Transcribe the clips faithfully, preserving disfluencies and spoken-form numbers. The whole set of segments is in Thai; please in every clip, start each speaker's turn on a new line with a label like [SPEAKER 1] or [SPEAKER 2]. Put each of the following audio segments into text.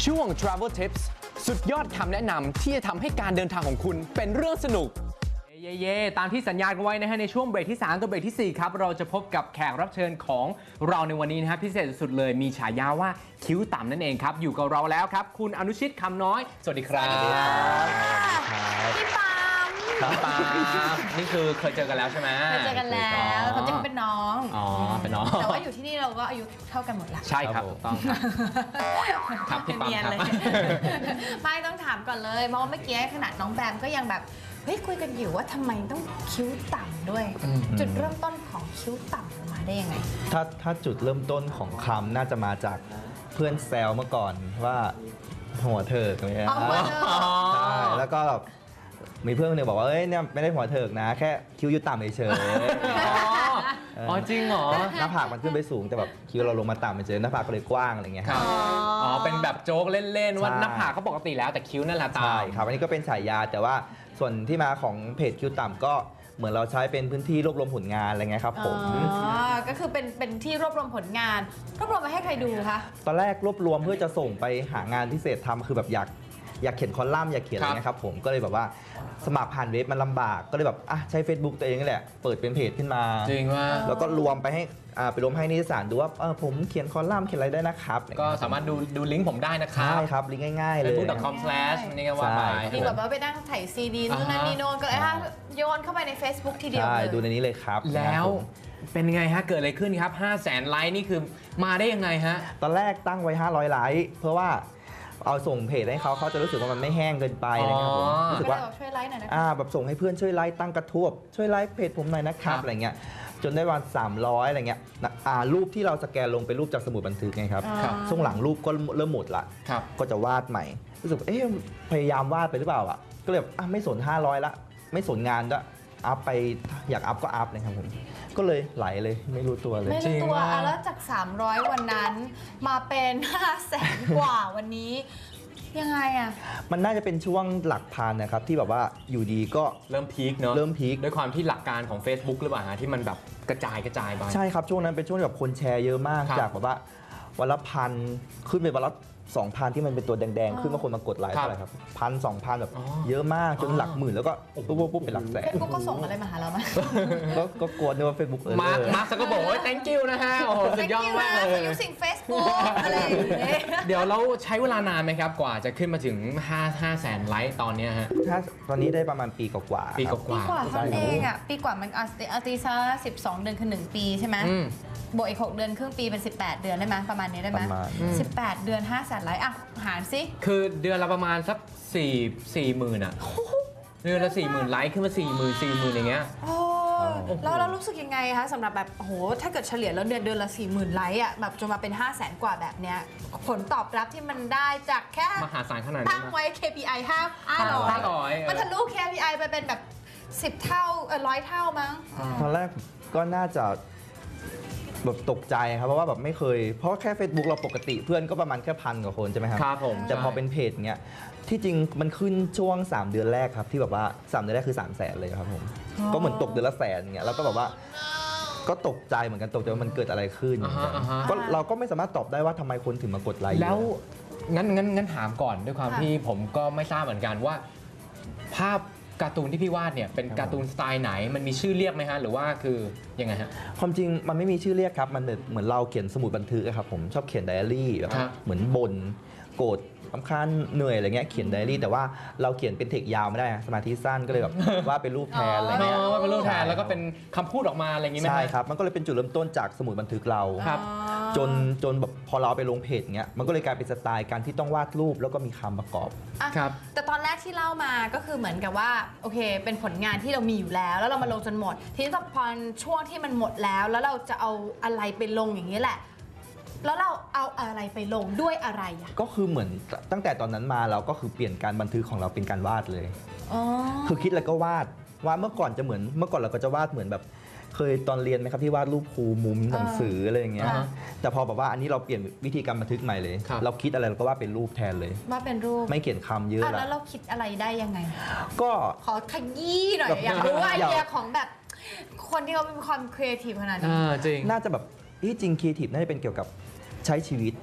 [SPEAKER 1] ช่วง Travel Tips สุดยอดคำแนะนำที่จะทำให้การเดินทางของคุณเป็นเรื่องสนุกเย่เย่ตามที่สัญญากันไว้นะฮะในช่วงเบรกที่สามกับเบรกที่สี่ครับเราจะพบกับแขกรับเชิญของเราในวันนี้นะฮะพิเศษสุดเลยมีฉายาว่าคิ้วต่ำนั่นเองครับอยู่กับเราแล้วครับคุณอนุชิตคำน้อยสวัสดีครับ
[SPEAKER 2] พี่ปาม
[SPEAKER 1] พี่ปามนี่คือเคยเจอกันแล้วใช่ไหม
[SPEAKER 2] เคยเจอกันแล้วเขาจะเป็นน้อง
[SPEAKER 1] อ๋อเป็นน้อง
[SPEAKER 2] แต่ว่าอยู่ที่นี่เราก็อายุเท่ากันหมดละ
[SPEAKER 1] ใช่ครับถูกต้องครับครับพี่ปาม
[SPEAKER 2] เนียน
[SPEAKER 1] ครับ
[SPEAKER 2] เลยไม่ต้องถามก่อนเลยเพราะว่าเมื่อกี้ขนาดน้องแบมก็ยังแบบเฮ้ยคุยกันอยู่ว่าทำไมต้องคิ้วต่ำด้วย จุดเริ่มต้นของคิ้วต่ำมาได้ยังไง
[SPEAKER 3] ถ้าถ้าจุดเริ่มต้นของคำน่าจะมาจากเพื่อนแซวเมื่อก่อนว่าหัวเถิกอะไรเงี้ย
[SPEAKER 2] อ๋อหัวเถิก
[SPEAKER 3] ใช่แล้วก็แบบมีเพื่อนคนหนึงบอกว่าเอ้ยเนี่ยไม่ได้หัวเถิกนะ แค่คิ้วอยู่ต่ำเฉย
[SPEAKER 1] อ๋อจริงเหรอ
[SPEAKER 3] ๆหน้าผากมันขึ้นไปสูงแต่แบบคิ้วเราลงมาต่ำเฉยๆหน้าผากก็เลยกว้างอะไรเงี้ย
[SPEAKER 1] ครับ อ๋อ เป็นแบบโจ๊กเล่น ๆ ว่า
[SPEAKER 3] ใช่
[SPEAKER 1] หน้าผากเขาปกติแล้วแต่คิ้วนั่นแหละตาม
[SPEAKER 3] ใช่ครับอันนี้ก็เป็นฉายาแต่ว่าส่วนที่มาของเพจคิ้วต่ำก็เหมือนเราใช้เป็นพื้นที่รวบรวมผลงานอะไรเงี้ยครับผม
[SPEAKER 2] อ๋อ ก็คือเป็นเป็นที่รวบรวมผลงาน รวบรวมมาให้ใครดูคะ
[SPEAKER 3] ตอนแรกรวบรวมเพื่อจะส่งไปหางานพิเศษทำคือแบบอยากอยากเขียนคอลัมน์อยากเขียนอะไรเงี้ยครับผมก็เลยแบบว่าสมัครผ่านเว็บมันลำบากก็เลยแบบอ่ะใช้ Facebook ตัวเองนี่แหละเปิดเป็นเพจขึ้นมา
[SPEAKER 1] จริงว่า
[SPEAKER 3] แล้วก็รวมไปให้อ่าไปรวมให้นิตยสารดูว่าเออผมเขียนคอลัมน์เขียนอะไรได้นะครับ
[SPEAKER 1] ก็สามารถดูดูลิงก์ผมได้นะครับ
[SPEAKER 3] ใช่ครับลิงก์ง่ายๆเลย
[SPEAKER 1] เฟซบุ๊ก ดอท คอม สแลช นี่ก็ว่าไป
[SPEAKER 3] ใช่
[SPEAKER 2] ดีกว่าแบบว่าไปนั่งถ่ายซีดีนู่นนั่นนี่โน่นก็เลยอ่ะโยนเข้าไปใน Facebook ทีเดียว
[SPEAKER 3] ใช่
[SPEAKER 2] เลย
[SPEAKER 3] ดูในนี้เลยครับ
[SPEAKER 1] แล้ว
[SPEAKER 3] นะครับผม
[SPEAKER 1] เป็นไงฮะ เกิดอะไรขึ้นครับ ห้าแสน ไลค์นี่คือมาได้ยังไงฮะ
[SPEAKER 3] ตอนแรกตั้งไว้ห้าร้อยไลค์เพื่อว่าเอาส่งเพจให้เขาเขาจะรู้สึกว่ามันไม่แห้งเกินไปอะไรเงี้ยครับผม
[SPEAKER 1] อ๋อ
[SPEAKER 3] รู้สึก
[SPEAKER 2] ก็เล
[SPEAKER 3] ว่า
[SPEAKER 2] ยบอกช่วยไลค์หน่อยนะ
[SPEAKER 3] อ่าแบบส่งให้เพื่อนช่วยไลค์ตั้งกระทู้ช่วยไลค์เพจผมหน่อยนะครั
[SPEAKER 1] ครับ
[SPEAKER 3] บอะไรเงี้ยจนได้วันสามร้อยอะไรเงี้ยนะอ่ารูปที่เราสแกนลงเป็นรูปจากสมุดบันทึกไงครับ
[SPEAKER 1] ครับ
[SPEAKER 3] ช่วงหลังรูปก็เริ่มหมดละ
[SPEAKER 1] ครับ
[SPEAKER 3] ก็จะวาดใหม่รู้สึกว่าเอ๊ะพยายามวาดไปหรือเปล่าอ่ะก็เลยแบบอ่ะไม่สนห้าร้อยละไม่สนงานด้วยอัพไปอยากอัพก็อัพเลยครับผมก็เลยไหลเลยไม่รู้ตัวเลย
[SPEAKER 2] ไม่
[SPEAKER 1] จริ
[SPEAKER 2] รู้
[SPEAKER 1] ง
[SPEAKER 2] ตัว
[SPEAKER 1] ว่า
[SPEAKER 2] อ่ะแล้วจาก สามร้อย วันนั้นมาเป็น ห้าแสน กว่าวันนี้ ยังไงอ่ะ
[SPEAKER 3] มันน่าจะเป็นช่วงหลักพันนะครับที่แบบว่าอยู่ดีก็
[SPEAKER 1] เริ่มพีคเนอะ
[SPEAKER 3] เริ่มพีค
[SPEAKER 1] ด้วยความที่หลักการของ Facebook หรือเปล่าฮะที่มันแบบกระจายกระจายไป
[SPEAKER 3] ใช่ครับช่วงนั้นเป็นช่วงที่แบบคนแชร์เยอะมาก
[SPEAKER 1] ครับ
[SPEAKER 3] จากแบบว่าวันละพันขึ้นไปวันละสองพันที่มันเป็นตัวแดง
[SPEAKER 2] อ๋อ
[SPEAKER 3] ๆ ขึ้นมาคนมากดไลค์
[SPEAKER 1] ครับ
[SPEAKER 3] เท่าไหร่ครับพันสองพันแบบ
[SPEAKER 1] อ๋อ
[SPEAKER 3] เยอะมากจน
[SPEAKER 1] อ๋อ
[SPEAKER 3] หลักหมื่นแล้วก็ปุ๊บปุ๊บปุ๊บเป็นหลักแสน
[SPEAKER 2] เฟซบุ๊กก็ส่งอะไรมาหาเราไหม
[SPEAKER 3] ก็ก็กลัวนึกว่าเฟซบุ๊กเออ
[SPEAKER 1] มาร์คมาร์คซักก็บอกว่า thank you นะฮะ โอ้โห สุดยอดมากเล
[SPEAKER 2] Thank you นะ
[SPEAKER 1] ย
[SPEAKER 2] for using Facebook อะไรอย่างเงี้ย
[SPEAKER 1] เดี๋ยวเราใช้เวลานานไหมครับ กว่าจะขึ้นมาถึง5 5แสนไลค์ตอนเนี้ยฮะ
[SPEAKER 3] ถ้าตอนนี้ได้ประมาณปีกว่าๆ
[SPEAKER 1] ปี
[SPEAKER 3] ครับ
[SPEAKER 1] ก
[SPEAKER 2] ปี
[SPEAKER 1] ว่าก
[SPEAKER 2] ว่า
[SPEAKER 1] ๆ
[SPEAKER 2] เท่านั้นเองอ่ะ ปีกว่ามันอาตีอาตีซะสิบสองเดือนคือหนึ่งปีใช่ไหม
[SPEAKER 1] อืม
[SPEAKER 2] บวกอีกหกเดือนครึ่งปีเป็นสิบแปดเดือนได้ไหมประมาณนี้ได้ไหม
[SPEAKER 3] ประมาณ
[SPEAKER 2] สิบแปดเดือนห้าแสนไลค์อ่ะหารสิ
[SPEAKER 1] คือเดือนละประมาณสักสี่สี่หมื่นอะเดือนละสี่หมื่นไลค์ขึ้นมาสี่หมื่นสี่หมื่นอย่างเงี้ย
[SPEAKER 2] โอ้แล้วเรารู้สึกยังไงคะสำหรับแบบโอ้โหถ้าเกิดเฉลี่ยแล้วเดือนเดือนละสี่หมื่นไลค์อ่ะแบบจนมาเป็นห้าแสนกว่าแบบเนี้ยผลตอบรับที่มันได้จากแค่
[SPEAKER 1] มหาศาลขนาดนี้
[SPEAKER 2] ตั้ง
[SPEAKER 1] นะ
[SPEAKER 2] ไว้ เค พี ไอ ห้าห้าร้อย
[SPEAKER 1] ห้าร้อย
[SPEAKER 2] มันทะลุ เค พี ไอ ไปเป็นแบบสิบเท่าเออร้อยเท่ามั้ง
[SPEAKER 3] ตอนแรกก็น่าจะแบบตกใจครับเพราะว่าแบบไม่เคย เพราะแค่ Facebook เราปกติเพื่อนก็ประมาณแค่พันกว่าคนใช่ไหมครับ
[SPEAKER 1] ครับผม
[SPEAKER 3] แต่พอ
[SPEAKER 1] ใช่
[SPEAKER 3] เป็นเพจเนี้ยที่จริงมันขึ้นช่วง สาม เดือนแรกครับที่แบบว่าสามเดือนแรกคือ3 0 0แสนเลยครับผม
[SPEAKER 2] อ๋อ
[SPEAKER 3] ก็เหมือนตกเดือนละแสนอย่างเงี้ยแล้วก็แบบว่าก็ตกใจเหมือนกันตกใจว่ามันเกิดอะไรขึ้น
[SPEAKER 1] อ่าฮะอ่าฮะ
[SPEAKER 3] ก็เราก็ไม่สามารถตอบได้ว่าทำไมคนถึงมากดไลค์เยอะ
[SPEAKER 1] แล้วงั้นงั้นงั้นถามก่อนด้วยความ
[SPEAKER 2] ค่ะ
[SPEAKER 1] ที่ผมก็ไม่ทราบเหมือนกันว่า ภาพการ์ตูนที่พี่วาดเนี่ยเป็นการ์ตูนสไตล์ไหนมันมีชื่อเรียกไหมฮะหรือว่าคือยังไงฮะ
[SPEAKER 3] ความจริงมันไม่มีชื่อเรียกครับมันเหมือนเราเขียนสมุดบันทึกอะครับผมชอบเขียนไดอารี่แบบ
[SPEAKER 1] ครับ
[SPEAKER 3] เหมือนบ่นโกรธรำคาญเหนื่อยอะไรเงี้ยเขียนไดอารี่แต่ว่าเราเขียนเป็นเทคยาวไม่ได้อะสมาธิสั้นก็เลยแบบ ว่าเป็นรูปแทนอะไร
[SPEAKER 1] อ๋
[SPEAKER 3] เงี้ย
[SPEAKER 1] อเป็นรูปแทนแล้วก็เป็นคำพูดออกมาอะไรอย่างงี้ไหมฮะ
[SPEAKER 3] ใช่ครับมันก็เลยเป็นจุดเริ่มต้นจากสมุดบันทึกเรา
[SPEAKER 1] ครับ
[SPEAKER 2] อ๋อ
[SPEAKER 3] จนจนแบบพอเราเอาไปลงเพจเงี้ยมันก็เลยกลายเป็นสไตล์การที่ต้องวาดรูปแล้วก็มีคำประกอบ
[SPEAKER 2] อ่ะ
[SPEAKER 1] ครับ
[SPEAKER 2] แต่ตอนแรกที่เล่ามาก็คือเหมือนกับว่าโอเค เป็นผลงานที่เรามีอยู่แล้ว แล้วเรามาลงจนหมด ทีนี้พอช่วงที่มันหมดแล้ว แล้วเราจะเอาอะไรไปลงอย่างนี้แหละ แล้วเราเอาอะไรไปลงด้วยอะไรอ่ะ
[SPEAKER 3] ก็คือเหมือนตั้งแต่ตอนนั้นมาเราก็คือเปลี่ยนการบันทึกของเราเป็นการวาดเลย
[SPEAKER 2] อ๋อ
[SPEAKER 3] คือคิดแล้วก็วาดวาดเมื่อก่อนจะเหมือนเมื่อก่อนเราก็จะวาดเหมือนแบบ เคยตอนเรียนไหมครับที่วาดรูปครูมุมหนังสืออะไรอย่างเงี้ย
[SPEAKER 2] อ่า
[SPEAKER 3] แต่พอแบบว่าอันนี้เราเปลี่ยนวิธีการบันทึกใหม่เลย
[SPEAKER 1] ครับ
[SPEAKER 3] เราคิดอะไรเราก็วาดเป็นรูปแทนเลย
[SPEAKER 2] ว่าเป็นรูป
[SPEAKER 3] ไม่เขียนคำเยอะ
[SPEAKER 2] อ่ะ
[SPEAKER 3] ละ
[SPEAKER 2] แล้วเราคิดอะไรได้ยังไง
[SPEAKER 3] ก็
[SPEAKER 2] ขอขยี้หน่อย
[SPEAKER 3] แบบ
[SPEAKER 2] อยากรู้ว่าไอ
[SPEAKER 3] อยาก
[SPEAKER 2] เดียของแบบคนที่เขามีความครีเอทีฟขนาดนี้
[SPEAKER 1] อ่าจริง
[SPEAKER 3] น่าจะแบบที่จริงครีเอทีฟน่าจะเป็นเกี่ยวกับใช้ชีวิต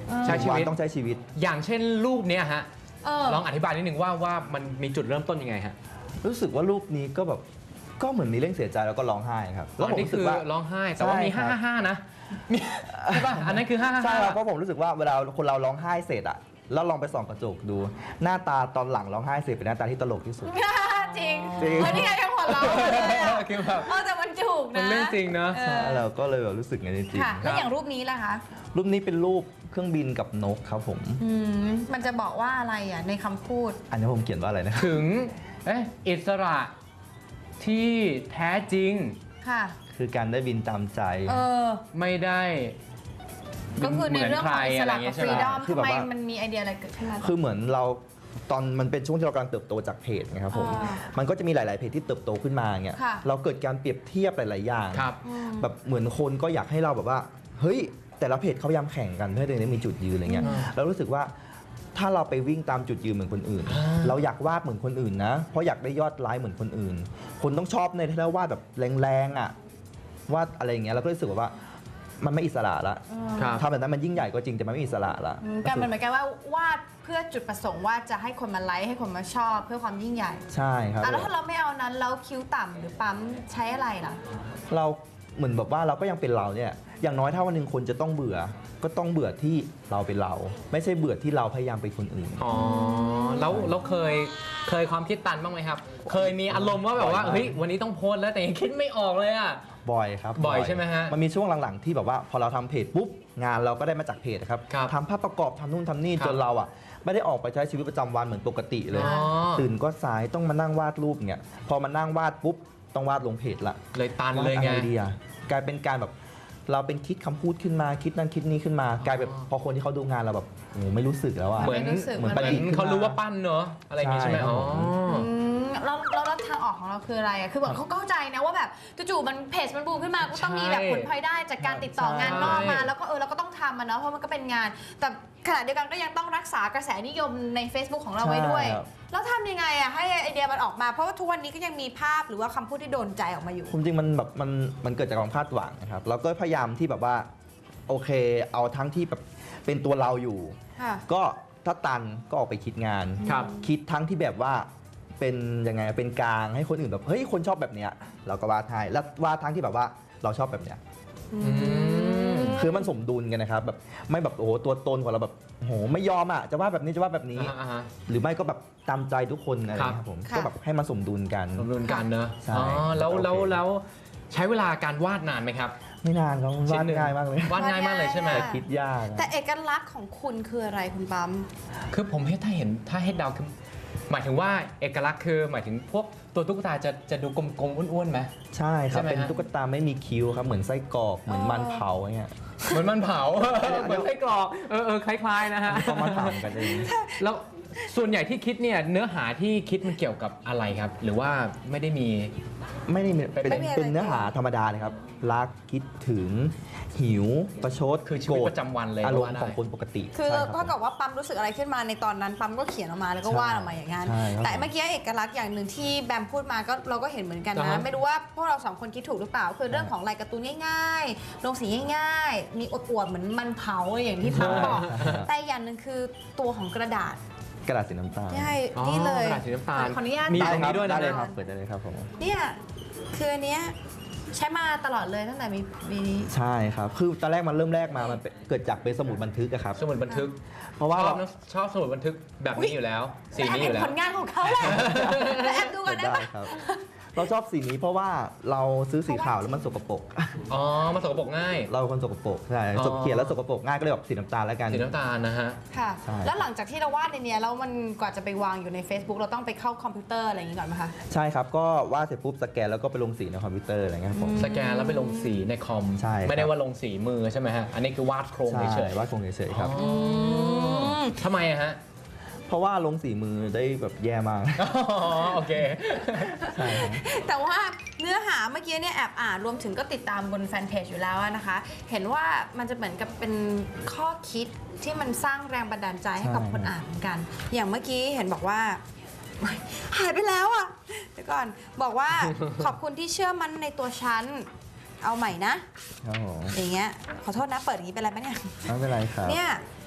[SPEAKER 1] ใช้ชีวิต
[SPEAKER 3] วันต้องใช้ชีวิต
[SPEAKER 1] อย่างเช่นรูปเนี้ยฮะ
[SPEAKER 2] เออ
[SPEAKER 1] ลองอธิบายนิดนึงว่าว่ามันมีจุดเริ่มต้นยังไงฮะ
[SPEAKER 3] รู้สึกว่ารูปนี้ก็แบบก็เหมือนมีเรื่องเสียใจแล้วก็ร้องไห้ครับแล้วผม
[SPEAKER 1] นี่
[SPEAKER 3] รู้สึ
[SPEAKER 1] คื
[SPEAKER 3] ก
[SPEAKER 1] อ
[SPEAKER 3] ว่า
[SPEAKER 1] ร้องไห้แต่ว่ามี
[SPEAKER 3] ใช่ครับ
[SPEAKER 1] ห้าห้านะมีใช่ป่ะอันนั้นคือห้าห้า
[SPEAKER 3] ใช่ครับเพราะผมรู้สึกว่าเวลาคนเราร้องไห้เสร็จอะแล้วลองไปส่องกระจกดู หน้าตาตอนหลังร้องไห้เสร็จเป็นหน้าตาที่ตลกที่สุด
[SPEAKER 2] จริง
[SPEAKER 3] จริง
[SPEAKER 2] เออนี่ไงยังหัวเราะเลยอะ
[SPEAKER 1] คือแบบ
[SPEAKER 2] เออแต่มันถูก
[SPEAKER 1] มัน
[SPEAKER 2] นะ
[SPEAKER 1] เรื่องจริงเนอะ
[SPEAKER 2] เอ
[SPEAKER 3] ใช่
[SPEAKER 2] อ
[SPEAKER 3] เราก็เลยแบบรู้สึกอย่างนี้จริง
[SPEAKER 2] ค่ะ แล้วอย่างรูปนี้ล่ะคะ
[SPEAKER 3] รูปนี้เป็นรูปเครื่องบินกับนกครับผม
[SPEAKER 2] อืมมันจะบอกว่าอะไรอ่ะในคำพูด
[SPEAKER 3] อันนี้ผมเขียนว่าอะไรนะครับ
[SPEAKER 1] ถึงเอ๊ะอิสระที่แท้จริง
[SPEAKER 2] ค่ะ
[SPEAKER 3] คือการได้บินตามใจ
[SPEAKER 2] เออ
[SPEAKER 1] ไม่ได้
[SPEAKER 2] ก็คือในเรื่องของอิสระกับฟรีดอม
[SPEAKER 3] คือ
[SPEAKER 2] ทำ
[SPEAKER 3] แบบ
[SPEAKER 2] ไม
[SPEAKER 3] ว่า
[SPEAKER 2] มันมีไอเดียอะไรเกิดขึ้นมา
[SPEAKER 3] คือเหมือนเราตอนมันเป็นช่วงที่เรากำลังเติบโตจากเพจไงครับผม
[SPEAKER 2] อ่า
[SPEAKER 3] มันก็จะมีหลาย ๆ เพจที่เติบโตขึ้นมาเงี้ย
[SPEAKER 2] ค่ะ
[SPEAKER 3] เราเกิดการเปรียบเทียบหลาย ๆ อย่าง
[SPEAKER 1] ครับ
[SPEAKER 2] อืม
[SPEAKER 3] แบบเหมือนคนก็อยากให้เราแบบว่า เฮ้ย แต่ละเพจเขาพยายามแข่งกันเพื่อให้ตัวเองได้มีจุดยืนอะไรเงี้ย
[SPEAKER 1] อืม
[SPEAKER 3] เรารู้สึกว่าถ้าเราไปวิ่งตามจุดยืนเหมือนคนอื่น
[SPEAKER 1] อ่า
[SPEAKER 3] เราอยากวาดเหมือนคนอื่นนะ เพราะอยากได้ยอดไลค์เหมือนคนอื่น คนต้องชอบในที่เราวาดแบบแรงๆอ่ะวาดอะไรอย่างเงี้ยเราก็รู้สึกว่ามันไม่อิสระละ
[SPEAKER 1] ครับ
[SPEAKER 3] ทำแบบนั้นมันยิ่งใหญ่ก็จริงแต่มันไม่อิสระละ
[SPEAKER 2] อืมการมันเหมือนกันว่าวาดเพื่อจุดประสงค์ว่าจะให้คนมาไลค์ให้คนมาชอบเพื่อความยิ่งใหญ่
[SPEAKER 3] ใช่ครับ
[SPEAKER 2] อ่ะแล้วถ้าเราไม่เอานั้นแล้วคิ้วต่ำหรือปั๊มใช้อะไรล่ะ
[SPEAKER 3] เราเหมือนแบบว่าเราก็ยังเป็นเราเนี่ยอย่างน้อยถ้าวันหนึ่งคนจะต้องเบื่อ ก็ต้องเบื่อที่เราเป็นเรา ไม่ใช่เบื่อที่เราพยายามเป็นคนอื่น
[SPEAKER 1] อ๋อแล้วแล้วเคยเคยความคิดตันบ้างไหมครับ เคยมีอารมณ์ว่าแบบว่า
[SPEAKER 3] บ่อยมาก
[SPEAKER 1] เฮ้ยวันนี้ต้องโพสต์แล้วแต่ยังคิดไม่ออกเลยอ่ะ
[SPEAKER 3] บ่อยครับ
[SPEAKER 1] บ่อยใช่ไหมฮะ
[SPEAKER 3] มันมีช่วงหลังๆที่แบบว่าพอเราทำเพจปุ๊บงานเราก็ได้มาจากเพจครับ
[SPEAKER 1] ครับ
[SPEAKER 3] ทำภาพประกอบทำนู่นทำนี่
[SPEAKER 1] ครับ
[SPEAKER 3] จนเราอ่ะไม่ได้ออกไปใช้ชีวิตประจำวันเหมือนปกติเลย
[SPEAKER 1] อ๋อ
[SPEAKER 3] ตื่นก็สายต้องมานั่งวาดรูปเนี่ยพอมานั่งวาดปุ๊บต้องวาดลงเพจละ
[SPEAKER 1] เลยตัน
[SPEAKER 3] วาด
[SPEAKER 1] เลย
[SPEAKER 3] อะ
[SPEAKER 1] ไง
[SPEAKER 3] ไรดีอะกลายเป็นการแบบเราเป็นคิดคำพูดขึ้นมาคิดนั่นคิดนี้ขึ้นมา กลายเป็นพอคนที่เขาดูงานเราแบบโอ้โหไม่รู้สึกแล้วอะ
[SPEAKER 1] เหมือน
[SPEAKER 2] ไม่รู้สึก
[SPEAKER 3] เหมือน
[SPEAKER 1] เหมือน
[SPEAKER 3] ประดิษฐ์ขึ้นมา
[SPEAKER 1] เขารู้ว่าปั้นเนอะอะไรอย่างงี้ใช่ไหม
[SPEAKER 3] ใช่ครับ
[SPEAKER 1] อ๋อ
[SPEAKER 3] ผม
[SPEAKER 2] อืมแล้วแล้วแล้วทางออกของเราคืออะไรอ่ะคือแบบเขาเข้าใจนะว่าแบบจู่ๆมันเพจมันบูมขึ้นมาก็ต้องมีแบบผลพลอยได้จากการติดต่องานนอกมา แล้วก็เออเราก็ต้องทำมันเนาะเพราะมันก็เป็นงาน แต่ขณะเดียวกันก็ยังต้องรักษากระแสนิยมใน Facebook ของเราไว้ด้วย
[SPEAKER 3] ใช่ครับ
[SPEAKER 2] แล้วทำยังไงอ่ะให้ไอเดียมันออกมาเพราะว่าทุกวันนี้ก็ยังมีภาพหรือว่าคำพูดที่โดนใจออกมาอยู่
[SPEAKER 3] ผมจริงมันแบบมันมันเกิดจากความคาดหวังนะครับเราก็พยายามที่แบบว่าโอเค เอาทั้งที่แบบเป็นตัวเราอยู่
[SPEAKER 2] ค่ะ
[SPEAKER 3] ก็ถ้าตันก็ออกไปคิดงาน
[SPEAKER 1] ครับ
[SPEAKER 3] คิดทั้งที่แบบว่าเป็นยังไงเป็นกลางให้คนอื่นแบบเฮ้ยคนชอบแบบเนี้ยเราก็วาดให้แล้ววาดทั้งที่แบบว่าเราชอบแบบเนี้ย
[SPEAKER 1] อืม
[SPEAKER 3] คือมันสมดุลกันนะครับแบบไม่แบบโอ้โหตัวตนของเราแบบโอ้โหไม่ยอมอ่ะจะวาดแบบนี้จะวาดแบบนี้
[SPEAKER 1] อ่าฮะ
[SPEAKER 3] หรือไม่ก็แบบตามใจทุกคนอะไรอย่างเงี้ยครับผม
[SPEAKER 2] ค่ะ
[SPEAKER 3] ก็แบบให้มันสมดุลกัน
[SPEAKER 1] สมดุลกันเนอะ
[SPEAKER 3] ใช่
[SPEAKER 1] อ๋อแล้ว
[SPEAKER 3] โอเค
[SPEAKER 1] แล้วแล้วใช้เวลาการวาดนานไหมครับ
[SPEAKER 3] ไม่นานครับวาด
[SPEAKER 1] ชิ้นหนึ่
[SPEAKER 3] ง่ายมากเลย
[SPEAKER 1] วาดง่ายมากเลยใช่ไหม
[SPEAKER 2] วาดง่าย
[SPEAKER 3] คิดยากอะ
[SPEAKER 2] แต่เอกลักษณ์ของคุณคืออะไรคุณปั๊ม
[SPEAKER 1] คือผมให้ถ้าเห็นถ้าให้เดาคือหมายถึงว่าเอกลักษณ์คือหมายถึงพวกตัวตุ๊กตาจะจะดูกลมๆอ้วนๆไหม
[SPEAKER 3] ใช่ค
[SPEAKER 1] ใช่
[SPEAKER 3] รับ
[SPEAKER 1] ไหม
[SPEAKER 3] เป็น
[SPEAKER 1] ฮะ
[SPEAKER 3] ตุ๊กตาไม่มีคิ้วครับเหมือนไส้กรอกเหมือนมันเผาอย่างเงี้ย
[SPEAKER 1] เหมือนมันเผา เหมือนไส้กรอกเออเออคล้ายๆนะฮะ
[SPEAKER 3] ต้องมาทำกันเอง
[SPEAKER 1] แล้วส่วนใหญ่ที่คิดเนี่ยเนื้อหาที่คิดมันเกี่ยวกับอะไรครับ หรือว่าไม่ได้มี
[SPEAKER 3] ไม่ได้มีเป็น
[SPEAKER 2] ไม่มีอะไร
[SPEAKER 3] เป็นเนื้อหาธรรมดาเลยครับ รักคิดถึงหิว ประชด
[SPEAKER 1] คือชีวิต
[SPEAKER 3] โกธ
[SPEAKER 1] ประจำวันเลย
[SPEAKER 3] อารม
[SPEAKER 1] ก็ว่า
[SPEAKER 3] ณ์
[SPEAKER 1] ได้
[SPEAKER 3] ของคนปกติ
[SPEAKER 2] คือ
[SPEAKER 3] ใช่รับ
[SPEAKER 2] เท่ากับว่าปั๊มรู้สึกอะไรขึ้นมาในตอนนั้นปั๊มก็เขียนออกมาแล้วก็
[SPEAKER 3] ใช่
[SPEAKER 2] วาดออกมาอย่างนั้น
[SPEAKER 3] ใช่ครับ
[SPEAKER 2] แต่เมื่อกี้เอกลักษณ์อย่างหนึ่งที่แบมพูดมาก็เราก็เห็นเหมือนกัน
[SPEAKER 1] อ่า
[SPEAKER 2] นะ
[SPEAKER 1] ฮะ
[SPEAKER 2] ไม่รู้ว่าพวกเราสองคนคิดถูกหรือเปล่า คือเรื่องของลายการ์ตูนง่ายๆ ลงสีง่ายๆ มีอวดๆเหมือนมันเผาอย่างที่ปั๊มบอก แต่อย่างหนึ่งคือตัวของกระดาษ
[SPEAKER 3] กระดาษสีน้ำตาล
[SPEAKER 2] ใช่
[SPEAKER 1] อ๋อ
[SPEAKER 2] นี่เลย
[SPEAKER 1] กระดาษสีน้ำตาล
[SPEAKER 2] ขออนุญาต
[SPEAKER 1] มี
[SPEAKER 2] เปิ
[SPEAKER 1] ตรงนี้ด้วยนะ
[SPEAKER 3] ได้เลยครับเปิดได้เลยครับผม
[SPEAKER 2] เนี่ยคืออันเนี้ยใช้มาตลอดเลยตั้งแต่มีมีนี้
[SPEAKER 3] ใช่ครับ คือตอนแรกมันเริ่มแรกมามันเป็นเกิดจากเป็นสมุดบันทึกอะครับ
[SPEAKER 1] สมุดบันทึก
[SPEAKER 3] เพราะ
[SPEAKER 1] ช
[SPEAKER 3] ว่า
[SPEAKER 1] อบ
[SPEAKER 3] เรา
[SPEAKER 1] นะชอบสมุดบันทึกแบบนี้อยู่แล้ว สีนี้อยู่
[SPEAKER 2] แต่
[SPEAKER 1] แล้ว
[SPEAKER 2] ผลงานของเขาแหละแล้วแอบดูกันได้
[SPEAKER 3] ได้
[SPEAKER 2] ปะ
[SPEAKER 3] ครับ เราชอบสีนี้เพราะว่าเราซื้อสีขาวแล้วมันสกปรก
[SPEAKER 1] อ๋อมาสกปรกง่าย
[SPEAKER 3] เราเป็นคนสกปรกใช่
[SPEAKER 1] อ๋อ
[SPEAKER 3] สกเขียนแล้วสกปรกง่ายก็เลยแบบสีน้ำตาลแล้วกัน
[SPEAKER 1] สีน้ำตาลนะฮะ
[SPEAKER 2] ค่ะ
[SPEAKER 3] ใช่
[SPEAKER 2] แล้วหลังจากที่เราวาดในเนี้ยแล้วมันกว่าจะไปวางอยู่ใน Facebook เราต้องไปเข้าคอมพิวเตอร์อะไรอย่างงี้ก่อนไหมคะ
[SPEAKER 3] ใช่ครับ ก็วาดเสร็จปุ๊บสแกนแล้วก็ไปลงสีในคอมพิวเตอร์อะไรเงี้ยครับผม
[SPEAKER 1] สแกนแล้วไปลงสีในคอม
[SPEAKER 3] ใช่ครับ
[SPEAKER 1] ไม่ได้ว่าลงสีมือใช่ไหมฮะ อันนี้คือวาดโครง
[SPEAKER 3] ใช่
[SPEAKER 1] เฉย
[SPEAKER 3] วาดคงเฉยๆครับ
[SPEAKER 1] อ๋อทำไมอะฮะ
[SPEAKER 3] เพราะว่าลงสีมือได้แบบแย่มาก
[SPEAKER 1] อ๋อโอเค
[SPEAKER 3] ใช่ครับ
[SPEAKER 2] แต่ว่าเนื้อหาเมื่อกี้เนี่ยแอบอ่านรวมถึงก็ติดตามบนแฟนเพจอยู่แล้วนะคะ เห็นว่ามันจะเหมือนกับเป็นข้อคิดที่มันสร้างแรงบันดาลใจให้กับ
[SPEAKER 3] ใช่
[SPEAKER 2] คนอ่านเหมือนกัน อย่างเมื่อกี้เห็นบอกว่า หายไปแล้วอ่ะเดี๋ยวก่อนบอกว่า ขอบคุณที่เชื่อมั่นในตัวฉันเอาใหม่นะ
[SPEAKER 3] ครับผม
[SPEAKER 2] อย่างเงี้ยขอโทษนะเปิดอย่างนี้เป็นไรไหมเนี่ย
[SPEAKER 3] ไม่เป็นไรครับ
[SPEAKER 2] เนี่ย